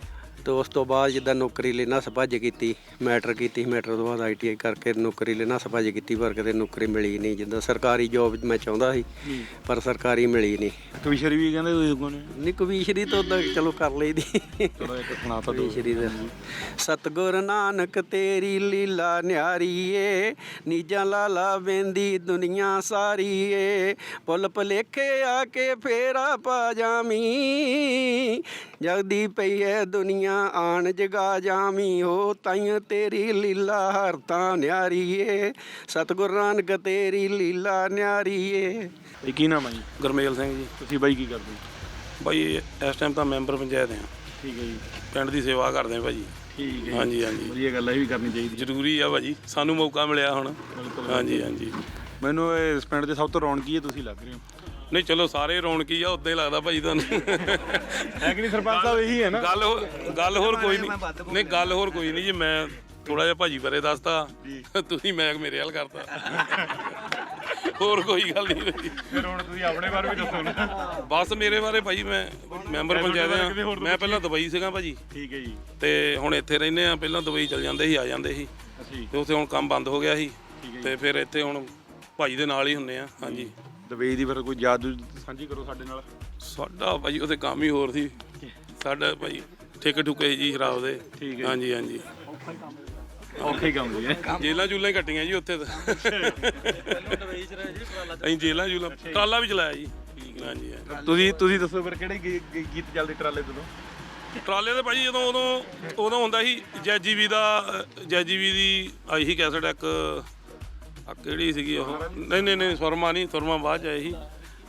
Speaker 8: ਤੇ ਉਸ ਤੋਂ ਬਾਅਦ ਜਿੱਦਾਂ ਨੌਕਰੀ ਲਈ ਨੱਸ ਭੱਜ ਕੀਤੀ, ਮੈਟਰ ਕੀਤੀ, ਮੈਟਰ ਤੋਂ ਬਾਅਦ ਆਈ ਟੀ ਆਈ ਕਰਕੇ ਨੌਕਰੀ ਲਈ ਨੱਸ ਭੱਜ ਕੀਤੀ, ਪਰ ਕਿਤੇ ਨੌਕਰੀ ਮਿਲੀ ਨਹੀਂ। ਜਿੱਦਾਂ ਸਰਕਾਰੀ ਜੋਬ ਮੈਂ ਚਾਹੁੰਦਾ ਸੀ ਪਰ ਸਰਕਾਰੀ ਮਿਲੀ ਨਹੀਂ।
Speaker 1: ਕਵੀਸ਼ਰੀ ਵੀ ਕਹਿੰਦੇ ਤੁਸੀਂ ਅੱਗੋਂ ਨੇ
Speaker 8: ਨਹੀਂ ਕਵੀਸ਼ਰੀ ਤੋਂ ਉਦਾਂ ਚਲੋ ਕਰ ਲਈਦੀ।
Speaker 1: ਚਲੋ ਇੱਕ ਸੁਣਾ ਤਾ ਦਿਓ।
Speaker 8: ਕਵੀਸ਼ਰੀ ਦਾ ਸਤਿਗੁਰ ਨਾਨਕ ਤੇਰੀ ਲੀਲਾ ਨਿਆਰੀ ਏ, ਨੀਜਾਂ ਲਾਲਾ ਵੇਂਦੀ ਦੁਨੀਆ ਸਾਰੀ ਏ, ਪੁੱਲ ਭੁਲੇਖੇ ਆ ਕੇ ਫੇਰਾ ਪਾ ਜਾਵੀਂ, ਜਗਦੀ ਪਈ ਐ ਦੁਨੀਆ ਆਣ ਜਗਾ ਜਾਵੀਂ, ਹੋ ਤਾਈਂ ਤੇਰੀ ਲੀਲਾ ਹਰ ਤਾਂ ਨਿਆਰੀ ਏ, ਸਤਿਗੁਰ ਨਾਨਕ ਤੇਰੀ ਲੀਲਾ ਨਿਆਰੀ ਏ।
Speaker 1: ਇਹ ਕੀ ਨਾਮ ਹੈ ਜੀ?
Speaker 4: ਗੁਰਮੇਲ ਸਿੰਘ ਜੀ।
Speaker 1: ਤੁਸੀਂ ਬਾਈ ਕੀ ਕਰਦੇ ਹੋ?
Speaker 4: ਬਾਈ ਇਸ ਟਾਈਮ ਤਾਂ ਮੈਂਬਰ ਪੰਚਾਇਤ ਆ,
Speaker 1: ਠੀਕ ਹੈ ਜੀ।
Speaker 4: ਪਿੰਡ ਦੀ ਸੇਵਾ ਕਰਦੇ ਆ ਭਾਜੀ।
Speaker 1: ਠੀਕ ਹੈ।
Speaker 4: ਹਾਂਜੀ ਹਾਂਜੀ,
Speaker 1: ਵਧੀਆ ਗੱਲ ਹੈ, ਇਹ ਵੀ ਕਰਨੀ ਚਾਹੀਦੀ।
Speaker 4: ਜ਼ਰੂਰੀ ਆ ਭਾਜੀ, ਸਾਨੂੰ ਮੌਕਾ ਮਿਲਿਆ ਹੁਣ। ਹਾਂਜੀ ਹਾਂਜੀ,
Speaker 1: ਮੈਨੂੰ ਇਸ ਪਿੰਡ ਦੇ ਸਭ ਤੋਂ ਰੌਣਕੀ ਹੈ ਤੁਸੀਂ ਲੱਗ ਰਹੇ ਹੋ।
Speaker 4: ਨਹੀਂ ਚਲੋ ਸਾਰੇ ਰੌਣਕੀ ਆ, ਉਦਾਂ ਹੀ ਲੱਗਦਾ ਭਾਜੀ ਤੁਹਾਨੂੰ।
Speaker 1: ਹੈ ਕਿ ਨਹੀਂ ਸਰਪੰਚ ਸਾਹਿਬ? ਇਹੀ ਹੈ ਨਾ
Speaker 4: ਗੱਲ ਹੋ- ਗੱਲ ਹੋਰ ਕੋਈ ਨਹੀਂ। ਨਹੀਂ ਗੱਲ ਹੋਰ ਕੋਈ ਨਹੀਂ ਜੀ, ਮੈਂ ਥੋੜਾ ਜਿਹਾ ਭਾਜੀ ਬਾਰੇ ਦੱਸਤਾ, ਤੁਸੀਂ ਮੈਂ ਮੇਰੇ ਹਾਲ ਕਰਤਾ, ਹੋਰ ਕੋਈ ਗੱਲ ਨਹੀਂ ਭਾਜੀ।
Speaker 1: ਫਿਰ ਹੁਣ ਤੁਸੀਂ ਆਪਣੇ ਬਾਰੇ ਵੀ ਦੱਸੋ ਨਾ।
Speaker 4: ਬਸ ਮੇਰੇ ਬਾਰੇ ਭਾਜੀ ਮੈਂ ਮੈਂਬਰ ਪੰਚਾਇਤ ਆ, ਮੈਂ ਪਹਿਲਾਂ ਦੁਬਈ ਸੀਗਾ ਭਾਜੀ,
Speaker 1: ਠੀਕ ਹੈ ਜੀ।
Speaker 4: ਤੇ ਹੁਣ ਇੱਥੇ ਰਹਿੰਦੇ ਆ। ਪਹਿਲਾਂ ਦੁਬਈ ਚਲ ਜਾਂਦੇ ਸੀ, ਆ ਜਾਂਦੇ ਸੀ, ਤੇ ਉੱਥੇ ਹੁਣ ਕੰਮ ਬੰਦ ਹੋ ਗਿਆ ਸੀ, ਤੇ ਫਿਰ ਇੱਥੇ ਹੁਣ ਭਾਜੀ ਦੇ ਨਾਲ ਹੀ ਹੁੰਨੇ ਆ। ਹਾਂਜੀ,
Speaker 1: ਦੁਬਈ ਦੀ ਫਿਰ ਕੋਈ ਯਾਦ ਸਾਂਝੀ ਕਰੋ ਸਾਡੇ ਨਾਲ।
Speaker 4: ਸਾਡਾ ਭਾਜੀ ਉੱਥੇ ਕੰਮ ਹੀ ਹੋਰ ਸੀ। ਸਾਡਾ ਭਾਜੀ ਠੇਕੇ ਠੁਕੇ ਜੀ ਸ਼ਰਾਬ ਦੇ।
Speaker 1: ਠੀਕ ਹੈ।
Speaker 4: ਹਾਂਜੀ ਹਾਂਜੀ,
Speaker 1: ਔਖੇ ਕੰਮ ਦੀ ਹੈ।
Speaker 4: ਜੇਲਾਂ ਜੂਲਾਂ ਹੀ ਕੱਟੀਆਂ ਜੀ ਉੱਥੇ ਤਾਂ। ਅਸੀਂ ਜੇਲਾਂ ਜੂਲਾਂ ਟਰਾਲਾ ਵੀ ਚਲਾਇਆ ਜੀ। ਹਾਂਜੀ ਹਾਂਜੀ,
Speaker 1: ਤੁਸੀਂ ਤੁਸੀਂ ਦੱਸੋ ਫਿਰ ਕਿਹੜੇ ਗੀ- ਗੀ- ਗੀਤ ਚੱਲਦੇ ਟਰਾਲੇ ਤੋਂ?
Speaker 4: ਟਰਾਲੇ ਦੇ ਭਾਜੀ ਜਦੋਂ ਉਦੋਂ ਉਦੋਂ ਹੁੰਦਾ ਸੀ ਜੈਜੀਵੀ ਦਾ, ਜੈਜੀਵੀ ਦੀ ਆਈ ਸੀ ਕੈਸਟ ਇੱਕ, ਆ ਕਿਹੜੀ ਸੀਗੀ ਉਹ? ਨਹੀਂ ਨਹੀਂ ਨਹੀਂ ਸੁਰਮਾ ਨਹੀਂ, ਸੁਰਮਾ ਬਾਅਦ 'ਚ ਆਏ ਸੀ।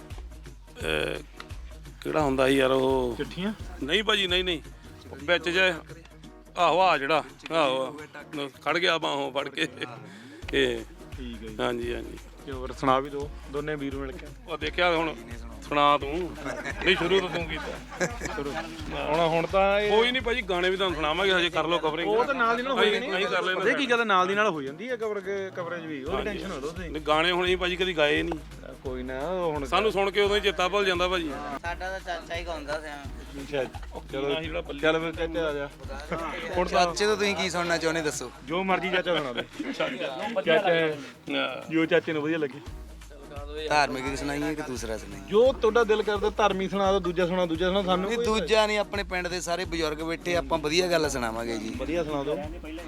Speaker 4: ਅਹ ਕਿਹੜਾ ਹੁੰਦਾ ਸੀ ਯਾਰ ਉਹ?
Speaker 1: ਚਿੱਠੀਆਂ?
Speaker 4: ਨਹੀਂ ਭਾਜੀ, ਨਹੀਂ ਨਹੀਂ, ਵਿੱਚ ਜੇ ਆਹੋ ਆ ਜਿਹੜਾ ਆਹੋ ਖੜ ਗਿਆ ਬਾਹੋਂ ਫੜ ਕੇ ਇਹ।
Speaker 1: ਠੀਕ ਹੈ ਜੀ।
Speaker 4: ਹਾਂਜੀ ਹਾਂਜੀ,
Speaker 1: ਤੇ ਹੋਰ ਸੁਣਾ ਵੀ ਦਿਓ, ਦੋਨੇ ਵੀਰ ਮਿਲ ਕੇ।
Speaker 4: ਉਹ ਦੇਖਿਆ ਹੁਣ ਸੁਣਾ ਤੂੰ। ਨਹੀਂ ਸ਼ੁਰੂ ਤੋਂ ਤੂੰ ਕੀਤਾ
Speaker 1: ਹੁਣ ਹੁਣ ਤਾਂ ਇਹ
Speaker 4: ਕੋਈ ਨਹੀਂ ਭਾਜੀ, ਗਾਣੇ ਵੀ ਤੁਹਾਨੂੰ ਸੁਣਾਵਾਂਗੇ, ਹਜੇ ਕਰ ਲਓ ਕਵਰਿੰਗ।
Speaker 1: ਉਹ ਤਾਂ ਨਾਲ ਦੀ ਨਾਲ ਹੋ ਜਾਣੀ।
Speaker 4: ਅਸੀਂ ਕਰ ਲੈਣਾ।
Speaker 1: ਪਤਾ ਕੀ ਗੱਲ ਨਾਲ ਦੀ ਨਾਲ ਹੋ ਜਾਂਦੀ ਹੈ ਕਵਰ ਕਵਰੇਜ ਵੀ, ਉਹਦੀ ਟੈਨਸ਼ਨ ਹੋ ਲਓ ਤੁਸੀਂ।
Speaker 4: ਨਹੀਂ ਗਾਣੇ ਹੁਣ ਅਸੀਂ ਭਾਜੀ ਕਦੀ ਗਾਏ ਨਹੀਂ,
Speaker 1: ਕੋਈ ਨਾ ਹੁਣ
Speaker 4: ਸਾਨੂੰ ਸੁਣ ਕੇ ਉਦੋਂ ਹੀ ਚੇਤਾ ਭੁੱਲ ਜਾਂਦਾ ਭਾਜੀ।
Speaker 9: ਸਾਡਾ ਤਾਂ ਚਾਚਾ ਹੀ ਗਾਉਂਦਾ ਸੀ।
Speaker 1: ਅੱਛਾ, ਚਲੋ ਚੱਲ ਫਿਰ ਚਾਚਾ ਆ ਜਾ। ਹੁਣ ਤਾਂ
Speaker 3: ਚਾਚੇ ਤੋਂ ਤੁਸੀਂ ਕੀ ਸੁਣਨਾ ਚਾਹੁੰਦੇ ਦੱਸੋ?
Speaker 1: ਜੋ ਮਰਜ਼ੀ ਚਾਚਾ ਸੁਣਾ ਦੇ। ਚਾਚਾ ਜੋ ਚਾਚੇ ਨੂੰ ਵਧੀਆ ਲੱਗੇ।
Speaker 3: ਧਾਰਮਿਕ ਸੁਣਾਈਏ ਕਿ ਦੂਸਰਾ ਸੁਣਾਈਏ?
Speaker 1: ਜੋ ਤੁਹਾਡਾ ਦਿਲ ਕਰਦਾ, ਧਾਰਮੀ ਸੁਣਾ ਦਿਓ, ਦੂਜਾ ਸੁਣਾ ਦੂਜਾ ਸੁਣਾ। ਸਾਨੂੰ
Speaker 3: ਨਹੀਂ ਦੂਜਾ ਨਹੀਂ, ਆਪਣੇ ਪਿੰਡ ਦੇ ਸਾਰੇ ਬਜ਼ੁਰਗ ਬੈਠੇ, ਆਪਾਂ ਵਧੀਆ ਗੱਲ ਸੁਣਾਵਾਂਗੇ ਜੀ।
Speaker 1: ਵਧੀਆ ਸੁਣਾ ਦਿਓ।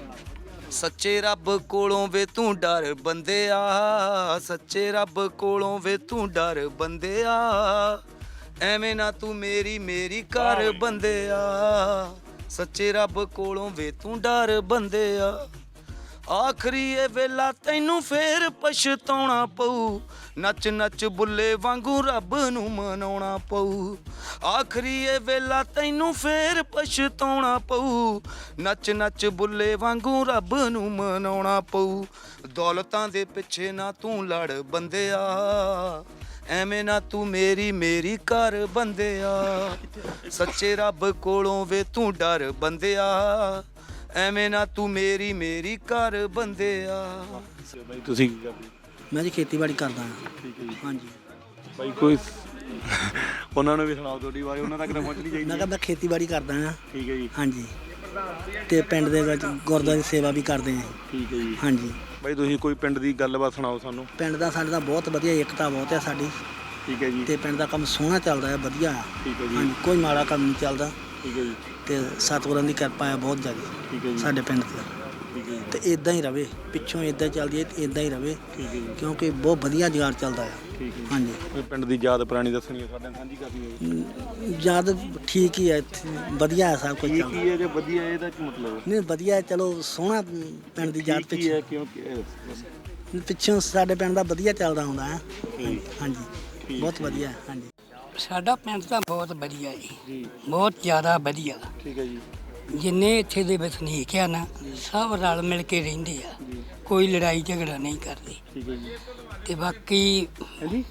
Speaker 3: ਸੱਚੇ ਰੱਬ ਕੋਲੋਂ ਵੇ ਤੂੰ ਡਰ ਬੰਦਿਆ, ਸੱਚੇ ਰੱਬ ਕੋਲੋਂ ਵੇ ਤੂੰ ਡਰ ਬੰਦਿਆ, ਐਵੇਂ ਨਾ ਤੂੰ ਮੇਰੀ ਮੇਰੀ ਕਰ ਬੰਦਿਆ, ਸੱਚੇ ਰੱਬ ਕੋਲੋਂ ਵੇ ਤੂੰ ਡਰ ਬੰਦਿਆ, ਆਖਰੀ ਇਹ ਵੇਲਾ ਤੈਨੂੰ ਫੇਰ ਪਛਤਾਉਣਾ ਪਊ, ਨੱਚ ਨੱਚ ਬੁੱਲੇ ਵਾਂਗੂ ਰੱਬ ਨੂੰ ਮਨਾਉਣਾ ਪਊ, ਆਖਰੀ ਇਹ ਵੇਲਾ ਤੈਨੂੰ ਫੇਰ ਪਛਤਾਉਣਾ ਪਊ, ਨੱਚ ਨੱਚ ਬੁੱਲੇ ਵਾਂਗੂ ਰੱਬ ਨੂੰ ਮਨਾਉਣਾ ਪਊ, ਦੌਲਤਾਂ ਦੇ ਪਿੱਛੇ ਨਾ ਤੂੰ ਲੜ ਬੰਦਿਆ, ਐਵੇਂ ਨਾ ਤੂੰ ਮੇਰੀ ਮੇਰੀ ਕਰ ਬੰਦਿਆ, ਸੱਚੇ ਰੱਬ ਕੋਲੋਂ ਵੇ ਤੂੰ ਡਰ ਬੰਦਿਆ, ਐਵੇਂ ਨਾ ਤੂੰ ਮੇਰੀ ਮੇਰੀ ਕਰ ਬੰਦਿਆ।
Speaker 1: ਬਾਈ ਤੁਸੀਂ ਕੀ ਕਰਦੇ?
Speaker 10: ਮੈਂ ਜੀ ਖੇਤੀਬਾੜੀ ਕਰਦਾ ਹਾਂ।
Speaker 1: ਠੀਕ ਹੈ ਜੀ।
Speaker 10: ਹਾਂਜੀ,
Speaker 1: ਬਾਈ ਕੋਈ ਉਹਨਾਂ ਨੂੰ ਵੀ ਸੁਣਾਓ ਤੁਹਾਡੀ ਆਵਾਜ਼ ਉਹਨਾਂ ਤੱਕ ਤਾਂ ਪਹੁੰਚਣੀ ਚਾਹੀਦੀ
Speaker 10: ਮੈਂ
Speaker 1: ਹੈ।
Speaker 10: ਕਹਿੰਦਾ ਖੇਤੀਬਾੜੀ ਕਰਦਾ ਹਾਂ।
Speaker 1: ਠੀਕ ਹੈ ਜੀ।
Speaker 10: ਹਾਂਜੀ, ਤੇ ਪਿੰਡ ਦੇ ਵਿੱਚ ਗੁਰਦੁਆਰੇ ਦੀ ਸੇਵਾ ਵੀ ਕਰਦੇ ਹਾਂ।
Speaker 1: ਠੀਕ ਹੈ ਜੀ।
Speaker 10: ਹਾਂਜੀ,
Speaker 1: ਬਾਈ ਤੁਸੀਂ ਕੋਈ ਪਿੰਡ ਦੀ ਗੱਲਬਾਤ ਸੁਣਾਓ ਸਾਨੂੰ।
Speaker 10: ਪਿੰਡ ਦਾ ਸਾਡੇ ਦਾ ਬਹੁਤ ਵਧੀਆ, ਏਕਤਾ ਬਹੁਤ ਹੈ ਸਾਡੀ,
Speaker 1: ਠੀਕ ਹੈ ਜੀ।
Speaker 10: ਤੇ ਪਿੰਡ ਦਾ ਕੰਮ ਸੋਹਣਾ ਚੱਲਦਾ ਹੈ, ਵਧੀਆ ਹੈ।
Speaker 1: ਠੀਕ ਹੈ ਜੀ।
Speaker 10: ਹਾਂਜੀ, ਕੋਈ ਮਾੜਾ ਕੰਮ ਨਹੀਂ ਚੱਲਦਾ,
Speaker 1: ਠੀਕ ਹੈ ਜੀ।
Speaker 10: ਤੇ ਸਤਿਗੁਰਾਂ ਦੀ ਕਿਰਪਾ ਹੈ ਬਹੁਤ ਜ਼ਿਆਦਾ
Speaker 1: ਠੀਕ ਹੈ ਜੀ।
Speaker 10: ਸਾਡੇ ਪਿੰਡ 'ਤੇ,
Speaker 1: ਠੀਕ ਹੈ ਜੀ।
Speaker 10: ਤੇ ਇਦਾਂ ਹੀ ਰਵੇ, ਪਿੱਛੋਂ ਇਦਾਂ ਚੱਲਦੀ ਹੈ, ਇਦਾਂ ਹੀ ਰਵੇ,
Speaker 1: ਠੀਕ ਹੈ ਜੀ।
Speaker 10: ਕਿਉਂਕਿ ਬਹੁਤ ਵਧੀਆ ਜੁਗਾੜ ਚੱਲਦਾ ਹੈ।
Speaker 1: ਠੀਕ ਹੈ।
Speaker 10: ਹਾਂਜੀ,
Speaker 1: ਕੋਈ ਪਿੰਡ ਦੀ ਯਾਦ ਪੁਰਾਣੀ ਦੱਸਣੀ ਹੈ ਸਾਡੇ ਨਾਲ ਸਾਂਝੀ ਕਰਨੀ ਹੈ।
Speaker 10: ਜਦ ਠੀਕ ਹੀ ਹੈ, ਇੱਥੇ ਵਧੀਆ ਹੈ ਸਭ ਕੁਝ
Speaker 1: ਕੀ
Speaker 10: ਚੱਲਦਾ।
Speaker 1: ਕੀ ਹੈ ਜੇ ਵਧੀਆ ਹੈ ਇਹਦਾ ਕੀ ਮਤਲਬ?
Speaker 10: ਨਹੀਂ ਵਧੀਆ ਹੈ, ਚਲੋ ਸੋਹਣਾ ਪਿੰਡ ਦੀ ਯਾਦ
Speaker 1: ਕੀ
Speaker 10: ਪਿੱਛੇ
Speaker 1: ਹੈ ਕਿਉਂ?
Speaker 10: ਪਿੱਛੋਂ ਸਾਡੇ ਪਿੰਡ ਦਾ ਵਧੀਆ ਚੱਲਦਾ ਹੁੰਦਾ ਹੈ। ਹਾਂਜੀ, ਬਹੁਤ ਵਧੀਆ ਹੈ। ਹਾਂਜੀ,
Speaker 7: ਸਾਡਾ ਪਿੰਡ ਤਾਂ ਬਹੁਤ ਵਧੀਆ ਜੀ, ਬਹੁਤ ਜ਼ਿਆਦਾ ਵਧੀਆ।
Speaker 1: ਠੀਕ ਹੈ ਜੀ।
Speaker 7: ਜਿੰਨੇ ਇੱਥੇ ਦੇ ਵਸਨੀਕ ਆ ਨਾ, ਸਭ ਰਲ ਮਿਲ ਕੇ ਰਹਿੰਦੇ ਆ, ਕੋਈ ਲੜਾਈ ਝਗੜਾ ਨਹੀਂ ਕਰਦੇ।
Speaker 1: ਠੀਕ ਹੈ ਜੀ।
Speaker 7: ਤੇ ਬਾਕੀ
Speaker 1: ਹਾਂਜੀ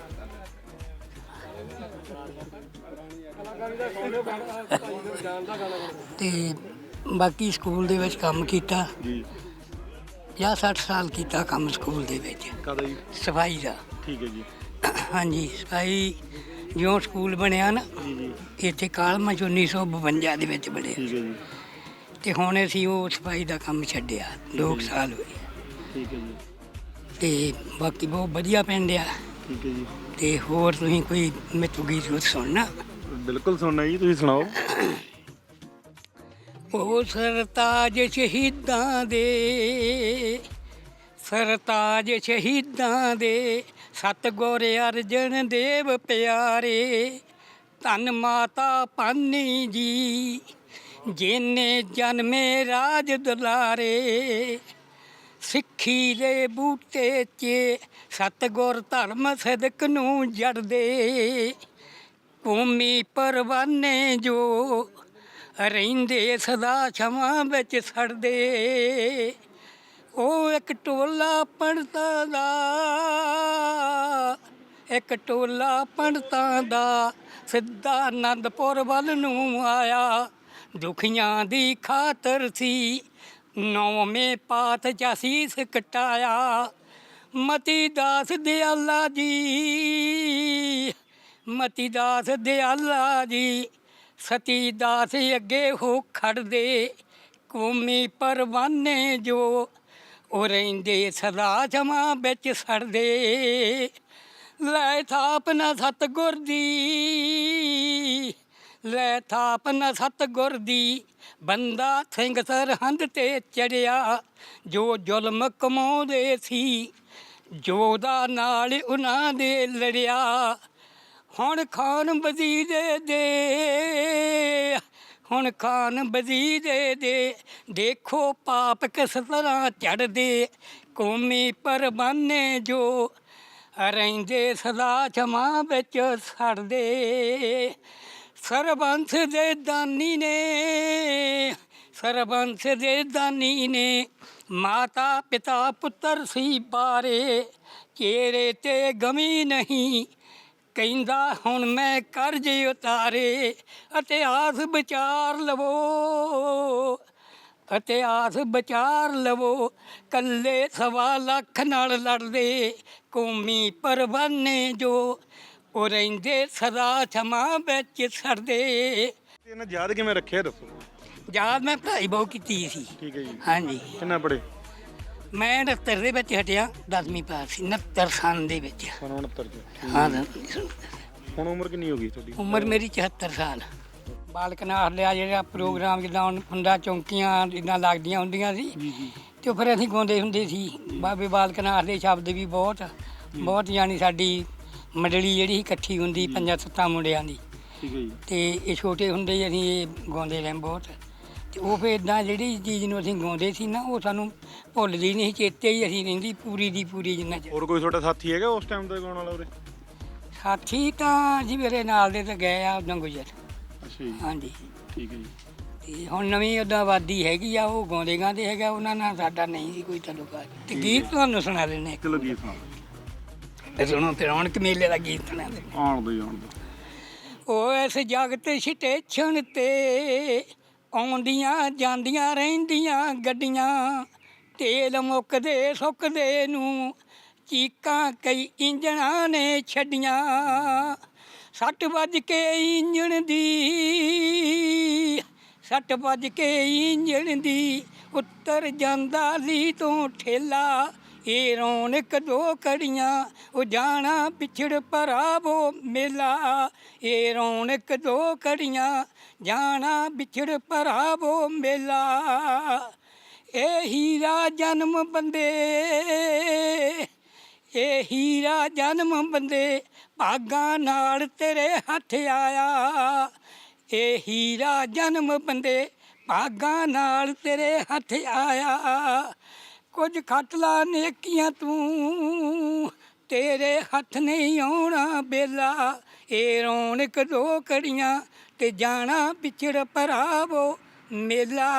Speaker 7: ਤੇ ਬਾਕੀ ਸਕੂਲ ਦੇ ਵਿੱਚ ਕੰਮ ਕੀਤਾ
Speaker 1: ਜੀ।
Speaker 7: ਪੰਜਾਹ ਸੱਠ ਸਾਲ ਕੀਤਾ ਕੰਮ ਸਕੂਲ ਦੇ ਵਿੱਚ,
Speaker 1: ਕਾਹਦਾ ਜੀ?
Speaker 7: ਸਫਾਈ ਦਾ।
Speaker 1: ਠੀਕ ਹੈ ਜੀ।
Speaker 7: ਹਾਂਜੀ, ਸਫਾਈ ਜਿਉਂ ਸਕੂਲ ਬਣਿਆ ਨਾ ਇੱਥੇ ਕਾਲਮਾ ਚ ਉੱਨੀ ਸੌ ਬਵੰਜਾ ਦੇ ਵਿੱਚ ਬਣਿਆ
Speaker 1: ਠੀਕ ਹੈ ਜੀ
Speaker 7: ਤੇ ਹੁਣ ਅਸੀਂ ਉਹ ਸਫਾਈ ਦਾ ਕੰਮ ਛੱਡਿਆ ਦੋ ਕੁ ਸਾਲ ਹੋਏ
Speaker 1: ਠੀਕ ਹੈ ਜੀ
Speaker 7: ਤੇ ਬਾਕੀ ਬਹੁਤ ਵਧੀਆ ਪਿੰਡ ਆ
Speaker 1: ਠੀਕ ਹੈ ਜੀ
Speaker 7: ਤੇ ਹੋਰ ਤੁਸੀਂ ਕੋਈ ਮਿੱਠੂ ਗੀਤ ਗੂਤ ਸੁਣਨਾ
Speaker 1: ਬਿਲਕੁਲ ਸੁਣਨਾ ਜੀ, ਤੁਸੀਂ ਸੁਣਾਓ।
Speaker 7: ਉਹ ਸਰਤਾਜ ਸ਼ਹੀਦਾਂ ਦੇ ਸਰਤਾਜ ਸ਼ਹੀਦਾਂ ਦੇ ਸਤਿਗੁਰ ਅਰਜਨ ਦੇਵ ਪਿਆਰੇ ਧੰਨ ਮਾਤਾ ਭਾਨੀ ਜੀ ਜਿਨੇ ਜਨਮੇ ਰਾਜ ਦੁਲਾਰੇ ਸਿੱਖੀ ਦੇ ਬੂਟੇ 'ਚ ਸਤਿਗੁਰ ਧਰਮ ਸਦਕ ਨੂੰ ਜੜਦੇ ਕੌਮੀ ਪਰਵਾਨੇ ਜੋ ਰਹਿੰਦੇ ਸਦਾ ਛਵਾਂ ਵਿੱਚ ਸੜਦੇ ਉਹ ਇੱਕ ਟੋਲਾ ਪੰਡਤਾਂ ਦਾ ਇੱਕ ਟੋਲਾ ਪੰਡਤਾਂ ਦਾ ਸਿੱਧਾ ਆਨੰਦਪੁਰ ਵੱਲ ਨੂੰ ਆਇਆ ਦੁਖੀਆਂ ਦੀ ਖਾਤਰ ਸੀ ਨੌਵੇਂ ਪਾਤ ਚ ਸੀਸ ਕਟਾਇਆ ਮਤੀ ਦਾਸ ਦਿਆਲਾ ਜੀ ਮਤੀ ਦਾਸ ਦਿਆਲਾ ਜੀ ਸਤੀ ਦਾਸ ਅੱਗੇ ਹੋ ਖੜਦੇ ਕੌਮੀ ਪਰਵਾਨੇ ਜੋ ਉਹ ਰਹਿੰਦੇ ਸਦਾ ਜਮਾਂ ਵਿੱਚ ਸੜਦੇ ਲੈ ਥਾਪ ਨਾ ਸਤਿਗੁਰ ਦੀ ਲੈ ਥਾਪ ਨਾ ਸਤਿਗੁਰ ਦੀ ਬੰਦਾ ਸਿੰਘ ਸਰਹੰਦ ਤੇ ਚੜਿਆ ਜੋ ਜ਼ੁਲਮ ਕਮਾਉਂਦੇ ਸੀ ਜੋਦਾ ਨਾਲ ਉਹਨਾਂ ਦੇ ਲੜਿਆ ਹੁਣ ਖਾਨ ਵਜ਼ੀਰ ਦੇ ਹੁਣ ਖਾਨ ਵਜ਼ੀਰ ਦੇ ਦੇਖੋ ਪਾਪ ਕਿਸ ਤਰ੍ਹਾਂ ਚੜ੍ਹਦੇ ਕੌਮੀ ਪਰਵਾਨੇ ਜੋ ਰਹਿੰਦੇ ਸਦਾ ਜਮਾਂ ਵਿੱਚ ਸੜਦੇ ਸਰਬੰਸ ਦੇ ਦਾਨੀ ਨੇ ਸਰਬੰਸ ਦੇ ਦਾਨੀ ਨੇ ਮਾਤਾ ਪਿਤਾ ਪੁੱਤਰ ਸੀ ਬਾਰੇ ਚਿਹਰੇ ਤੇ ਗਮੀ ਨਹੀਂ ਕਹਿੰਦਾ ਹੁਣ ਮੈਂ ਕਰਜ਼ ਉਤਾਰੇ ਇਤਿਹਾਸ ਵਿਚਾਰ ਲਵੋ ਇਤਿਹਾਸ ਵਿਚਾਰ ਲਵੋ ਕੱਲੇ ਸਵਾ ਲੱਖ ਨਾਲ ਲੜਦੇ ਕੌਮੀ ਪਰਵਾਨੇ ਜੋ ਉਹ ਰਹਿੰਦੇ ਸਦਾ ਛਮਾਂ ਵਿੱਚ ਸੜਦੇ
Speaker 1: ਇਹਨਾਂ ਯਾਦ ਕਿਵੇਂ ਰੱਖਿਆ ਦੱਸੋ।
Speaker 7: ਯਾਦ ਮੈਂ ਪੜ੍ਹਾਈ ਬਹੁਤ ਕੀਤੀ ਸੀ।
Speaker 1: ਠੀਕ ਹੈ ਜੀ।
Speaker 7: ਹਾਂਜੀ
Speaker 1: ਕਿੰਨਾ ਪੜ੍ਹੇ?
Speaker 7: ਮੈਂ ਉਣੱਤਰ ਦੇ ਵਿੱਚ ਹਟਿਆ ਦਸਵੀਂ ਪਾਸ ਸੀ ਉਣੱਤਰ ਸਾਲ ਦੇ ਵਿੱਚ।
Speaker 1: ਉਣੱਤਰ ਚ।
Speaker 7: ਹਾਂ
Speaker 1: ਹੁਣ ਉਮਰ ਕਿੰਨੀ ਹੋ ਗਈ ਤੁਹਾਡੀ?
Speaker 7: ਉਮਰ ਮੇਰੀ ਚੁਹੱਤਰ ਸਾਲ। ਬਾਲਕ ਨਾਥ ਲਿਆ ਜਿਹੜਾ ਪ੍ਰੋਗਰਾਮ ਜਿੱਦਾਂ ਹੁਣ ਹੁੰਦਾ ਚੌਂਕੀਆਂ ਜਿੱਦਾਂ ਲੱਗਦੀਆਂ ਹੁੰਦੀਆਂ ਸੀ ਤੇ ਫਿਰ ਅਸੀਂ ਗਾਉਂਦੇ ਹੁੰਦੇ ਸੀ ਬਾਬੇ ਬਾਲਕ ਨਾਥ ਦੇ ਸ਼ਬਦ ਵੀ ਬਹੁਤ ਬਹੁਤ ਯਾਨੀ ਸਾਡੀ ਮੰਡਲੀ ਜਿਹੜੀ ਇਕੱਠੀ ਹੁੰਦੀ ਪੰਜਾਂ ਸੱਤਾਂ ਮੁੰਡਿਆਂ ਦੀ।
Speaker 1: ਠੀਕ ਹੈ ਜੀ।
Speaker 7: ਤੇ ਇਹ ਛੋਟੇ ਹੁੰਦੇ ਹੀ ਅਸੀਂ ਇਹ ਗਾਉਂਦੇ ਰਹੇ ਬਹੁਤ ਤੇ ਉਹ ਫਿਰ ਇੱਦਾਂ ਜਿਹੜੀ ਚੀਜ਼ ਨੂੰ ਅਸੀਂ ਗਾਉਂਦੇ ਸੀ ਨਾ ਉਹ ਸਾਨੂੰ ਭੁੱਲਦੀ ਨਹੀਂ, ਚੇਤੇ ਹੀ ਅਸੀਂ ਰਹਿੰਦੀ ਪੂਰੀ ਦੀ ਪੂਰੀ ਜਿੰਨਾ ਚਿਰ।
Speaker 1: ਹੋਰ ਕੋਈ ਤੁਹਾਡਾ ਸਾਥੀ ਹੈਗਾ ਉਸ ਟਾਈਮ ਦਾ ਗਾਉਣ ਵਾਲਾ ਉਰੇ?
Speaker 7: ਸਾਥੀ ਤਾਂ ਜੀ ਮੇਰੇ ਨਾਲ ਦੇ ਤਾਂ ਗਏ ਆ ਉਦੋਂ ਗੁਜ਼ਰ।
Speaker 1: ਅੱਛਾ ਜੀ।
Speaker 7: ਹਾਂਜੀ
Speaker 1: ਠੀਕ ਹੈ ਜੀ।
Speaker 7: ਤੇ ਹੁਣ ਨਵੀਂ ਉੱਦਾਂ ਆਬਾਦੀ ਹੈਗੀ ਆ ਉਹ ਗਾਉਂਦੇ ਗਾਉਂਦੇ ਹੈਗਾ ਉਹਨਾਂ ਨਾਲ ਸਾਡਾ ਨਹੀਂ ਸੀ ਕੋਈ ਤਾਲੁਕਾਤ। ਤੇ ਗੀਤ ਤੁਹਾਨੂੰ ਸੁਣਾ ਦਿੰਦੇ
Speaker 1: ਚਲੋ ਗੀਤ ਸੁਣਾਓ।
Speaker 7: ਤੇ ਸੁਣੋ ਫਿਰ ਰੌਣਕ ਮੇਲੇ ਦਾ ਗੀਤ ਸੁਣਾ ਦਿੰਦੇ।
Speaker 1: ਆਉਣ ਦੋ ਆਉਣ ਦੋ।
Speaker 7: ਉਹ ਇਸ ਜਗਤ ਸਟੇਸ਼ਨ ਤੇ ਆਉਂਦੀਆਂ ਜਾਂਦੀਆਂ ਰਹਿੰਦੀਆਂ ਗੱਡੀਆਂ ਤੇਲ ਮੁੱਕਦੇ ਸੁੱਕਦੇ ਨੂੰ ਚੀਕਾਂ ਕਈ ਇੰਜਣਾਂ ਨੇ ਛੱਡੀਆਂ ਸੱਟ ਵੱਜ ਕੇ ਇੰਜਣ ਦੀ ਸੱਟ ਵੱਜ ਕੇ ਇੰਜਣ ਦੀ ਉੱਤਰ ਜਾਂਦਾ ਲੀ ਤੋਂ ਠੇਲਾ ਇਹ ਰੌਣਕ ਦੋ ਕੜੀਆਂ ਉਹ ਜਾਣਾ ਪਿਛੜ ਭਰਾਵੋ ਮੇਲਾ ਇਹ ਰੌਣਕ ਦੋ ਕੜੀਆਂ ਜਾਣਾ ਵਿਛੜ ਭਰਾਵੋ ਮੇਲਾ ਇਹ ਹੀਰਾ ਜਨਮ ਬੰਦੇ ਇਹ ਹੀਰਾ ਜਨਮ ਬੰਦੇ ਭਾਗਾਂ ਨਾਲ ਤੇਰੇ ਹੱਥ ਆਇਆ ਇਹ ਹੀਰਾ ਜਨਮ ਬੰਦੇ ਭਾਗਾਂ ਨਾਲ ਤੇਰੇ ਹੱਥ ਆਇਆ ਕੁਝ ਖੱਟ ਲਾ ਨੇਕੀਆਂ ਤੂੰ ਤੇਰੇ ਹੱਥ ਨਹੀਂ ਆਉਣਾ ਬੇਲਾ ਇਹ ਰੌਣਕ ਦੋ ਕੜੀਆਂ ਤੇ ਜਾਣਾ ਪਿਛੜ ਭਰਾਵੋ ਮੇਲਾ।